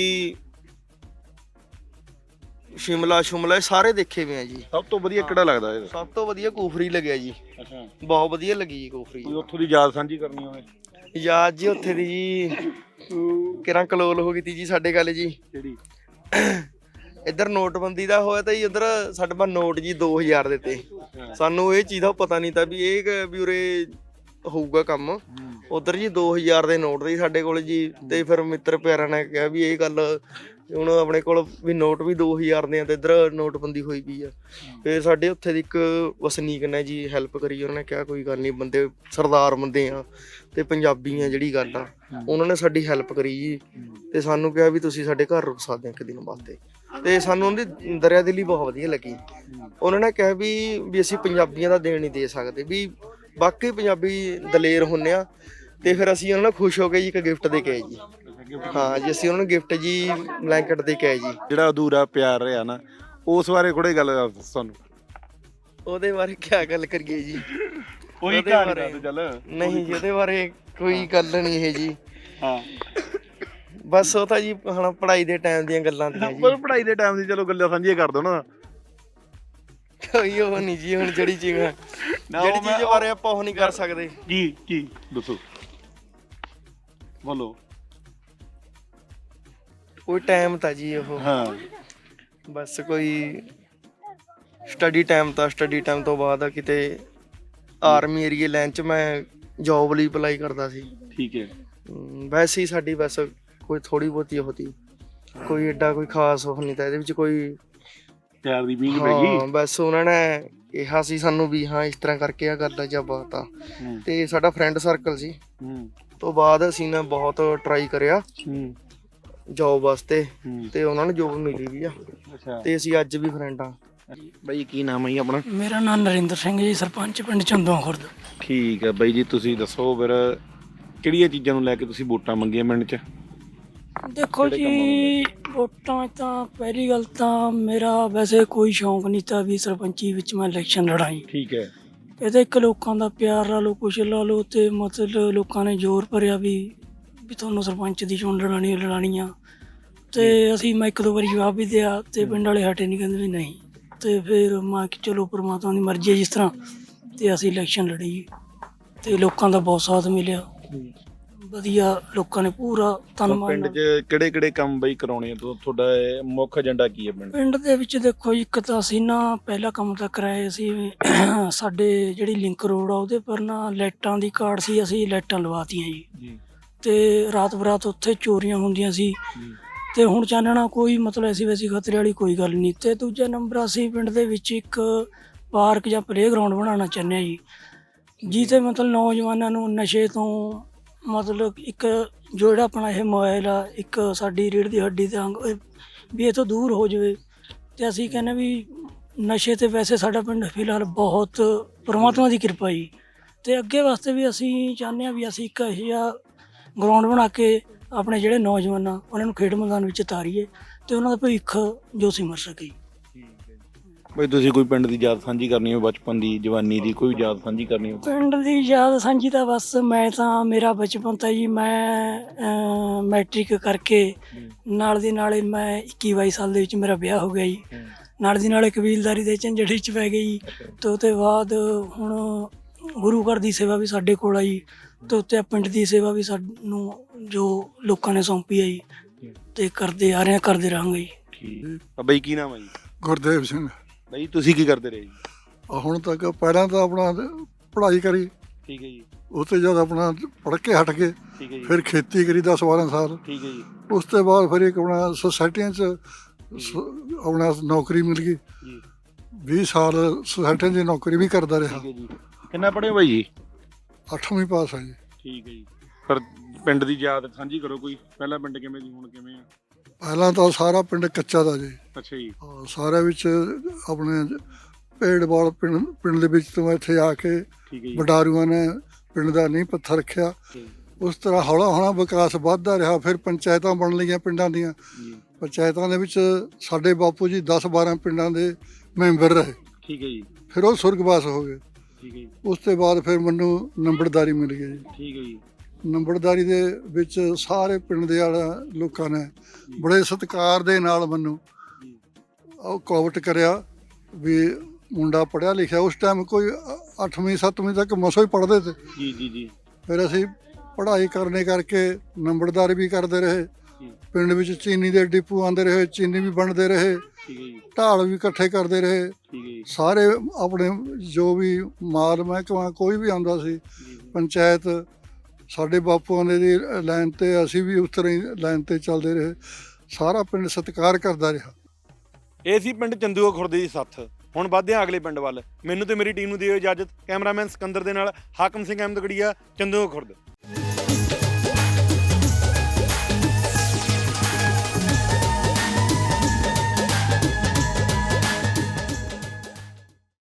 S4: ਸ਼ਿਮਲਾ ਸ਼ਿਮਲਾ ਇਹ ਸਾਰੇ ਦੇਖੇ ਹੋਏ ਆ ਜੀ।
S2: ਸਭ ਤੋਂ ਵਧੀਆ ਕਿਹੜਾ ਲੱਗਦਾ ਇਹ
S4: ਸਭ ਤੋਂ ਵਧੀਆ ਕੂਫਰੀ ਲੱਗਿਆ ਜੀ
S2: ਅੱਛਾ
S4: ਬਹੁਤ ਵਧੀਆ ਲੱਗੀ ਜੀ ਕੂਫਰੀ
S2: ਕੋਈ ਉੱਥੋਂ ਦੀ ਯਾਦ ਸਾਂਝੀ ਕਰਨੀ ਹੋਵੇ
S4: ਯਾਦ ਜੀ ਉੱਥੇ ਦੀ ਜੀ ਕਿਰਾਂ ਕਲੋਲ ਹੋ ਗਈ ਤੀ ਜੀ ਸਾਡੇ ਗੱਲ ਜੀ
S2: ਕਿਹੜੀ
S4: ਇੱਧਰ ਨੋਟਬੰਦੀ ਦਾ ਹੋਇਆ ਤਾਂ ਜੀ ਉਧਰ ਸਾਡੇ ਪਾ ਨੋਟ ਜੀ ਦੋ ਹਜ਼ਾਰ ਦੇ ਤੇ ਸਾਨੂੰ ਇਹ ਚੀਜ਼ ਦਾ ਪਤਾ ਨਹੀਂ ਤਾਂ ਵੀ ਇਹ ਕ- ਵੀ ਉਰੇ ਹੋਊਗਾ ਕੰਮ ਉਧਰ ਜੀ ਦੋ ਹਜ਼ਾਰ ਦੇ ਨੋਟ ਦੇ ਸਾਡੇ ਕੋਲ ਜੀ ਤੇ ਫਿਰ ਮਿੱਤਰ ਪਿਆਰਾਂ ਨੇ ਕਿਹਾ ਵੀ ਇਹ ਗੱਲ ਹੁਣ ਆਪਣੇ ਕੋਲ ਵੀ ਨੋਟ ਵੀ ਦੋ ਹਜ਼ਾਰ ਦੇ ਆ ਤੇ ਇੱਧਰ ਨੋਟਬੰਦੀ ਹੋਈ ਪਈ ਆ ਫਿਰ ਸਾਡੇ ਉੱਥੇ ਦੀ ਇੱਕ ਵਸਨੀਕ ਨੇ ਜੀ ਹੈਲਪ ਕਰੀ ਉਹਨਾਂ ਨੇ ਕਿਹਾ ਕੋਈ ਗੱਲ ਨਹੀਂ ਬੰਦੇ ਸਰਦਾਰ ਬੰਦੇ ਆ ਤੇ ਪੰਜਾਬੀ ਆ ਜਿਹੜੀ ਗੱਲ ਆ ਉਹਨਾਂ ਨੇ ਸਾਡੀ ਹੈਲਪ ਕਰੀ ਜੀ ਤੇ ਸਾਨੂੰ ਕਿਹਾ ਵੀ ਤੁਸੀਂ ਸਾਡੇ ਘਰ ਰੁਕ ਸਕਦੇ ਆ ਇੱਕ ਦਿਨ ਵਾਸਤੇ ਤੇ ਸਾਨੂੰ ਉਹਦੀ ਦਰਿਆ ਦਿਲੀ ਬਹੁਤ ਵਧੀਆ ਲੱਗੀ ਉਹਨਾਂ ਨੇ ਕਿਹਾ ਵੀ ਵੀ ਅਸੀਂ ਪੰਜਾਬੀਆਂ ਦਾ ਦੇਣ ਨਹੀਂ ਦੇ ਸਕਦੇ ਵੀ ਬਾਕੀ ਪੰਜਾਬੀ ਦਲੇਰ ਹੁੰਨੇ ਆ ਤੇ ਫਿਰ ਅਸੀਂ ਉਹਨਾਂ ਨੂੰ ਖੁਸ਼ ਹੋ ਕੇ ਜੀ ਇੱਕ ਗਿਫਟ ਦੇ ਕੇ ਆਏ ਜੀ ਹਾਂ ਜੀ ਅਸੀਂ ਉਹਨਾਂ ਨੂੰ ਗਿਫਟ ਜੀ ਬਲੈਂਕਟ ਦੇ ਕੇ ਆਏ ਜੀ
S2: ਜਿਹੜਾ ਅਧੂਰਾ ਪਿਆਰ ਰਿਹਾ ਨਾ ਉਸ ਬਾਰੇ ਕੋਈ ਗੱਲ ਦੱਸ ਸਾਨੂੰ
S4: ਉਹਦੇ ਬਾਰੇ ਕੀ ਗੱਲ ਕਰੀਏ ਜੀ
S2: ਕੋਈ
S4: ਉਹਦੇ
S2: ਕਹਾਣੀ
S4: ਬਾਰੇ-
S2: ਦੱਸ ਚੱਲ
S4: ਨਹੀਂ ਜੀ ਉਹਦੇ ਬਾਰੇ ਕੋਈ ਗੱਲ ਨਹੀਂ ਇਹ ਜੀ
S2: ਹਾਂ
S4: ਬਸ ਉਹ ਤਾਂ ਜੀ ਹੁਣ ਪੜ੍ਹਾਈ ਦੇ ਟਾਈਮ ਦੀਆਂ ਗੱਲਾਂ ਦੀਆਂ ਜੀ
S2: ਪਰ ਪੜ੍ਹਾਈ ਦੇ ਟਾਈਮ ਦੀ ਚਲੋ ਗੱਲਾਂ ਸਾਂਝੀਆਂ ਕਰ ਦੋ ਨਾ
S4: ਕੋਈ ਉਹ ਨਹੀਂ ਜੀ ਹੁਣ ਜਿਹੜੀ ਚੀਜ਼
S2: ਨਾ,
S4: ਜਿਹੜੀ
S2: ਉਹ ਮੈਂ-
S4: ਚੀਜ਼ ਬਾਰੇ ਆਪਾਂ ਉਹ ਨਹੀਂ ਕਰ ਸਕਦੇ
S2: ਕੀ ਕੀ ਦੱਸੋ ਬੋਲੋ
S4: ਕੋਈ ਟਾਈਮ ਤਾਂ ਜੀ ਉਹ
S2: ਹਾਂ
S4: ਬਸ ਕੋਈ ਸਟੱਡੀ ਟਾਈਮ ਤਾਂ ਸਟੱਡੀ ਟਾਈਮ ਤੋਂ ਬਾਅਦ ਕਿਤੇ ਆਰਮੀ ਏਰੀਏ ਲਾਈਨ 'ਚ ਮੈਂ ਜੌਬ ਲਈ ਅਪਲਾਈ ਕਰਦਾ ਸੀ।
S2: ਠੀਕ ਹੈ।
S4: ਹਮ, ਵੈਸੇ ਹੀ ਸਾਡੀ ਬਸ ਕੋਈ ਥੋੜੀ ਬਹੁਤੀ ਹੋਤੀ, ਕੋਈ ਐਡਾ ਕੋਈ ਖਾਸ ਉਹ ਨਹੀਂ ਤਾਂ ਇਹਦੇ ਵਿੱਚ ਕੋਈ
S2: ਪਿਆਰ ਦੀ ਬੀਜ ਪੈ
S4: ਹਾਂ
S2: ਗਈ।
S4: ਬਸ ਉਹਨਾਂ ਨੇ ਕਿਹਾ ਸੀ ਸਾਨੂੰ ਵੀ ਹਾਂ ਇਸ ਤਰ੍ਹਾਂ ਕਰਕੇ ਆ ਕਰਦਾ ਜਾਂ ਬਾਤ ਆ। ਤੇ ਸਾਡਾ ਫਰੈਂਡ ਸਰਕਲ ਸੀ।
S2: ਹੂੰ
S4: ਤੋਂ ਬਾਅਦ ਅਸੀਂ ਨੇ ਬਹੁਤ ਟਰਾਈ ਕਰਿਆ
S2: ਹੂੰ
S4: ਜੌਬ ਵਾਸਤੇ ਤੇ ਉਹਨਾਂ ਨੂੰ ਜੌਬ ਮਿਲੀ ਵੀ ਆ
S2: ਅੱਛਾ।
S4: ਤੇ ਅਸੀਂ ਅੱਜ ਵੀ ਫਰੈਂਡ ਆ।
S2: ਬਾਈ ਕੀ ਨਾਮ ਹੈ ਜੀ ਆਪਣਾ?
S5: ਮੇਰਾ ਨਾਮ ਨਰਿੰਦਰ ਸਿੰਘ ਜੀ, ਸਰਪੰਚ ਪਿੰਡ ਚੰਦੋਆਂ ਖੁਰਦ।
S2: ਠੀਕ ਹੈ ਬਾਈ ਜੀ, ਤੁਸੀਂ ਦੱਸੋ ਫਿਰ ਕਿਹੜੀਆਂ ਚੀਜ਼ਾਂ ਨੂੰ ਲੈ ਕੇ ਤੁਸੀਂ ਵੋਟਾਂ ਮੰਗੀਆਂ ਪਿੰਡ 'ਚ?
S5: ਦੇਖੋ ਜੀ, ਵੋਟਾਂ ਤਾਂ ਪਹਿਲੀ ਗੱਲ ਤਾਂ ਮੇਰਾ ਵੈਸੇ ਕੋਈ ਸ਼ੌਂਕ ਨਹੀਂ ਤਾਂ ਵੀ ਸਰਪੰਚੀ ਵਿੱਚ ਮੈਂ ਇਲੈਕਸ਼ਨ ਲੜਾਈ।
S2: ਠੀਕ ਹੈ।
S5: ਇਹ ਤਾਂ ਇੱਕ ਲੋਕਾਂ ਦਾ ਪਿਆਰ ਲਾ ਲਓ, ਕੁਛ ਲਾ ਲਓ, ਤੇ ਮਤਲਬ ਲੋਕਾਂ ਨੇ ਜ਼ੋਰ ਭਰਿਆ ਵੀ ਵੀ ਤੁਹਾਨੂੰ ਸਰਪੰਚ ਦੀ ਚੋਣ ਲੜਾਣੀ ਲੜਾਣੀ ਆ। ਤੇ ਅਸੀਂ ਮੈਂ ਇੱਕ ਦੋ ਵਾਰੀ ਜਵਾਬ ਵੀ ਦਿਆ ਤੇ ਪਿੰਡ ਵਾਲੇ ਹਟੇ ਨਹੀਂ, ਕਹਿੰਦੇ ਵੀ ਨਹੀਂ। ਤੇ ਫਿਰ ਮੈਂ ਕਿ ਚਲੋ ਪਰਮਾਤਮਾ ਦੀ ਮਰਜ਼ੀ ਹੈ ਜਿਸ ਤਰ੍ਹਾਂ, ਤੇ ਅਸੀਂ ਇਲੈਕਸ਼ਨ ਲੜੀ ਤੇ ਲੋਕਾਂ ਦਾ ਬਹੁਤ ਸਾਥ ਮਿਲਿਆ। ਵਧੀਆ ਲੋਕਾਂ ਨੇ ਪੂਰਾ ਤਨ ਮਨ
S2: ਪਿੰਡ 'ਚ ਕਿਹੜੇ ਕਿਹੜੇ ਕੰਮ ਬਈ ਕਰਾਉਣੇ ਆ? ਤੁਹਾਡਾ ਮੁੱਖ ਏਜੰਡਾ ਕੀ ਹੈ ਪਿੰਡ?
S5: ਪਿੰਡ ਦੇ ਵਿੱਚ ਦੇਖੋ ਜੀ, ਇੱਕ ਤਾਂ ਅਸੀਂ ਨਾ ਪਹਿਲਾ ਕੰਮ ਤਾਂ ਕਰਾਇਆ ਸੀ ਸਾਡੇ ਜਿਹੜੀ ਲਿੰਕ ਰੋਡ ਆ ਉਹਦੇ ਪਰ ਨਾ ਲਾਈਟਾਂ ਦੀ ਕਾਰਡ ਸੀ, ਅਸੀਂ ਲਾਈਟਾਂ ਲਵਾਤੀਆਂ ਜੀ। ਤੇ ਰਾਤ ਬਰਾਤ ਉੱਥੇ ਚੋਰੀਆਂ ਹੁੰਦੀਆਂ ਸੀ ਤੇ ਹੁਣ ਚਾਨਣਾ ਕੋਈ ਮਤਲਬ ਐਸੀ ਵੈਸੀ ਖਤਰੇ ਵਾਲੀ ਕੋਈ ਗੱਲ ਨਹੀਂ। ਤੇ ਦੂਜਾ ਨੰਬਰ ਅਸੀਂ ਪਿੰਡ ਦੇ ਵਿੱਚ ਇੱਕ ਪਾਰਕ ਜਾਂ ਪਲੇਗਰਾਊਂਡ ਬਣਾਉਣਾ ਚਾਹੁੰਦੇ ਹਾਂ ਜੀ, ਜਿਹਦੇ ਮਤਲਬ ਨੌਜਵਾਨਾਂ ਨੂੰ ਨਸ਼ੇ ਤੋਂ ਮਤਲਬ ਇੱਕ ਜੋ ਜਿਹੜਾ ਆਪਣਾ ਇਹ ਮੋਬਾਈਲ ਆ, ਇੱਕ ਸਾਡੀ ਰੀੜ੍ਹ ਦੀ ਹੱਡੀ ਦੇ ਅੰਗ ਵੀ ਇਹ ਤੋਂ ਦੂਰ ਹੋ ਜਾਵੇ। ਤੇ ਅਸੀਂ ਕਹਿੰਦੇ ਵੀ ਨਸ਼ੇ ਤੇ ਵੈਸੇ ਸਾਡਾ ਪਿੰਡ ਫਿਲਹਾਲ ਬਹੁਤ ਪਰਮਾਤਮਾ ਦੀ ਕਿਰਪਾ ਜੀ। ਤੇ ਅੱਗੇ ਵਾਸਤੇ ਵੀ ਅਸੀਂ ਚਾਹੁੰਦੇ ਹਾਂ ਵੀ ਅਸੀਂ ਇੱਕ ਇਹੋ ਜਿਹਾ ਗਰਾਊਂਡ ਬਣਾ ਕੇ ਆਪਣੇ ਜਿਹੜੇ ਨੌਜਵਾਨ ਆ ਉਹਨਾਂ ਨੂੰ ਖੇਡ ਮੈਦਾਨ ਵਿੱਚ ਉਤਾਰੀਏ ਤੇ ਉਹਨਾਂ ਦਾ ਭਵਿੱਖ ਜੋ ਸਿਮਰ ਸਕੇ।
S2: ਬਈ ਤੁਸੀਂ ਕੋਈ ਪਿੰਡ ਦੀ ਯਾਦ ਸਾਂਝੀ ਕਰਨੀ ਹੋਵੇ, ਬਚਪਨ ਦੀ, ਜਵਾਨੀ ਦੀ ਕੋਈ ਯਾਦ ਸਾਂਝੀ ਕਰਨੀ ਹੋਵੇ?
S5: ਪਿੰਡ ਦੀ ਯਾਦ ਸਾਂਝੀ ਤਾਂ ਬਸ ਮੈਂ ਤਾਂ ਮੇਰਾ ਬਚਪਨ ਤਾਂ ਜੀ ਮੈਂ ਮੈਟ੍ਰਿਕ ਕਰਕੇ ਨਾਲ ਦੀ ਨਾਲੇ ਮੈਂ ਇੱਕੀ ਬਾਈ ਸਾਲ ਦੇ ਵਿੱਚ ਮੇਰਾ ਵਿਆਹ ਹੋ ਗਿਆ ਜੀ। ਨਾਲ ਦੀ ਨਾਲੇ ਕਬੀਲਦਾਰੀ ਦੇ ਝੰਜਟ 'ਚ ਪੈ ਗਈ ਤੇ ਉਹਦੇ ਬਾਅਦ ਹੁਣ ਗੁਰੂ ਘਰ ਦੀ ਸੇਵਾ ਵੀ ਸਾਡੇ ਕੋਲ ਆ ਜੀ, ਤੇ ਉੱਤੇ ਪਿੰਡ ਦੀ ਸੇਵਾ ਵੀ ਸਾਨੂੰ ਜੋ ਲੋਕਾਂ ਨੇ ਸੌਂਪੀ ਆ ਜੀ ਤੇ ਕਰਦੇ ਆ ਰਹੇ ਹਾਂ, ਕਰਦੇ ਰਹਾਂਗੇ ਜੀ।
S2: ਠੀਕ। ਬਈ ਕੀ ਨਾਮ ਹੈ ਜੀ?
S3: ਗੁਰਦੇਵ ਸਿੰਘ।
S2: ਬਈ ਤੁਸੀਂ ਕੀ ਕਰਦੇ ਰਹੇ ਜੀ?
S3: ਹੁਣ ਤੱਕ ਪਹਿਲਾਂ ਤਾਂ ਆਪਣਾ ਪੜ੍ਹਾਈ ਕਰੀ,
S2: ਠੀਕ ਹੈ ਜੀ।
S3: ਉਸ ਤੋਂ ਜਦ ਆਪਣਾ ਪੜ੍ਹ ਕੇ ਹਟ ਗਏ,
S2: ਠੀਕ ਹੈ ਜੀ।
S3: ਫਿਰ ਖੇਤੀ ਕਰੀ ਦਸ ਬਾਰਾਂ ਸਾਲ।
S2: ਠੀਕ ਹੈ ਜੀ।
S3: ਉਸ ਤੋਂ ਬਾਅਦ ਫਿਰ ਇੱਕ ਆਪਣਾ ਸੁਸਾਇਟੀਆਂ 'ਚ ਸ- ਆਪਣਾ ਨੌਕਰੀ ਮਿਲ ਗਈ।
S2: ਜੀ
S3: ਵੀਹ ਸਾਲ ਸੁਸਾਇਟੀਆਂ 'ਚ ਨੌਕਰੀ ਵੀ ਕਰਦਾ ਰਿਹਾ।
S2: ਠੀਕ ਹੈ ਜੀ। ਕਿੰਨਾ ਪੜ੍ਹੇ ਹੋ ਬਾਈ ਜੀ?
S3: ਅੱਠਵੀਂ ਪਾਸ ਆ ਜੀ।
S2: ਠੀਕ ਹੈ ਜੀ। ਫਿਰ ਪਿੰਡ ਦੀ ਯਾਦ ਸਾਂਝੀ ਕਰੋ ਕੋਈ, ਪਹਿਲਾ ਪਿੰਡ ਕਿਵੇਂ ਸੀ, ਹੁਣ ਕਿਵੇਂ ਆ?
S3: ਪਹਿਲਾਂ ਤਾਂ ਸਾਰਾ ਪਿੰਡ ਕੱਚਾ ਦਾ ਜੀ।
S2: ਅੱਛਾ ਜੀ।
S3: ਹਾਂ, ਸਾਰਿਆਂ ਵਿੱਚ ਆਪਣੇ ਭੇਡਵਾਲ ਪਿੰਡ ਪਿੰਡ ਦੇ ਵਿੱਚ ਤੋਂ ਇੱਥੇ ਆ ਕੇ
S2: ਠੀਕ ਹੈ ਜੀ।
S3: ਵਡਾਰੂਆਂ ਨੇ ਪਿੰਡ ਦਾ ਨੀਂਹ ਪੱਥਰ ਰੱਖਿਆ। ਉਸ ਤਰ੍ਹਾਂ ਹੌਲਾ ਹੌਲਾ ਵਿਕਾਸ ਵੱਧਦਾ ਰਿਹਾ। ਫਿਰ ਪੰਚਾਇਤਾਂ ਬਣ ਲਈਆਂ ਪਿੰਡਾਂ ਦੀਆਂ।
S2: ਜੀ
S3: ਪੰਚਾਇਤਾਂ ਦੇ ਵਿੱਚ ਸਾਡੇ ਬਾਪੂ ਜੀ ਦਸ ਬਾਰਾਂ ਪਿੰਡਾਂ ਦੇ ਮੈਂਬਰ ਰਹੇ।
S2: ਠੀਕ ਹੈ ਜੀ।
S3: ਫਿਰ ਉਹ ਸੁਰਗਵਾਸ ਹੋ ਗਏ।
S2: ਠੀਕ ਹੈ ਜੀ।
S3: ਉਸ ਤੋਂ ਬਾਅਦ ਫਿਰ ਮੈਨੂੰ ਨੰਬਰਦਾਰੀ ਮਿਲ ਗਈ ਜੀ।
S2: ਠੀਕ ਹੈ ਜੀ।
S3: ਨੰਬਰਦਾਰੀ ਦੇ ਵਿੱਚ ਸਾਰੇ ਪਿੰਡ ਦੇ ਵਾਲਾ ਲੋਕਾਂ ਨੇ ਬੜੇ ਸਤਿਕਾਰ ਦੇ ਨਾਲ ਮੈਨੂੰ ਉਹ ਕੋਵਟ ਕਰਿਆ ਵੀ ਮੁੰਡਾ ਪੜ੍ਹਿਆ ਲਿਖਿਆ। ਉਸ ਟਾਈਮ ਕੋਈ ਅੱਠਵੀਂ ਸੱਤਵੀਂ ਤੱਕ ਮਸੋ ਹੀ ਪੜ੍ਹਦੇ ਤੇ।
S2: ਜੀ ਜੀ ਜੀ।
S3: ਫਿਰ ਅਸੀਂ ਪੜ੍ਹਾਈ ਕਰਨੇ ਕਰਕੇ ਨੰਬਰਦਾਰੀ ਵੀ ਕਰਦੇ ਰਹੇ।
S2: ਜੀ।
S3: ਪਿੰਡ ਵਿੱਚ ਚੀਨੀ ਦੇ ਡਿਪੂ ਆਉਂਦੇ ਰਹੇ, ਚੀਨੀ ਵੀ ਬਣਦੇ ਰਹੇ,
S2: ਠੀਕ ਹੈ ਜੀ।
S3: ਢਾਲ ਵੀ ਇਕੱਠੇ ਕਰਦੇ ਰਹੇ।
S2: ਠੀਕ ਹੈ ਜੀ।
S3: ਸਾਰੇ ਆਪਣੇ ਜੋ ਵੀ ਮਾਲ ਮਹਿਕਮਾ ਕੋਈ ਵੀ ਆਉਂਦਾ ਸੀ,
S2: ਜੀ।
S3: ਪੰਚਾਇਤ ਸਾਡੇ ਬਾਪੂਆਂ ਦੇ ਦੀ ਲਾਈਨ ਤੇ ਅਸੀਂ ਵੀ ਉਸ ਤਰ੍ਹਾਂ ਹੀ ਲਾਈਨ ਤੇ ਚੱਲਦੇ ਰਹੇ। ਸਾਰਾ ਪਿੰਡ ਸਤਿਕਾਰ ਕਰਦਾ ਰਿਹਾ।
S2: ਇਹ ਸੀ ਪਿੰਡ ਚੰਦੂਆ ਖੁਰਦ ਦੀ ਸੱਥ। ਹੁਣ ਵੱਧਦੇ ਹਾਂ ਅਗਲੇ ਪਿੰਡ ਵੱਲ। ਮੈਨੂੰ ਤੇ ਮੇਰੀ ਟੀਮ ਨੂੰ ਦਿਓ ਇਜਾਜ਼ਤ। ਕੈਮਰਾਮੈਨ ਸਿਕੰਦਰ ਦੇ ਨਾਲ ਹਾਕਮ ਸਿੰਘ ਅਹਿਮਦਗੜੀਆ, ਚੰਦੂਆ ਖੁਰਦ।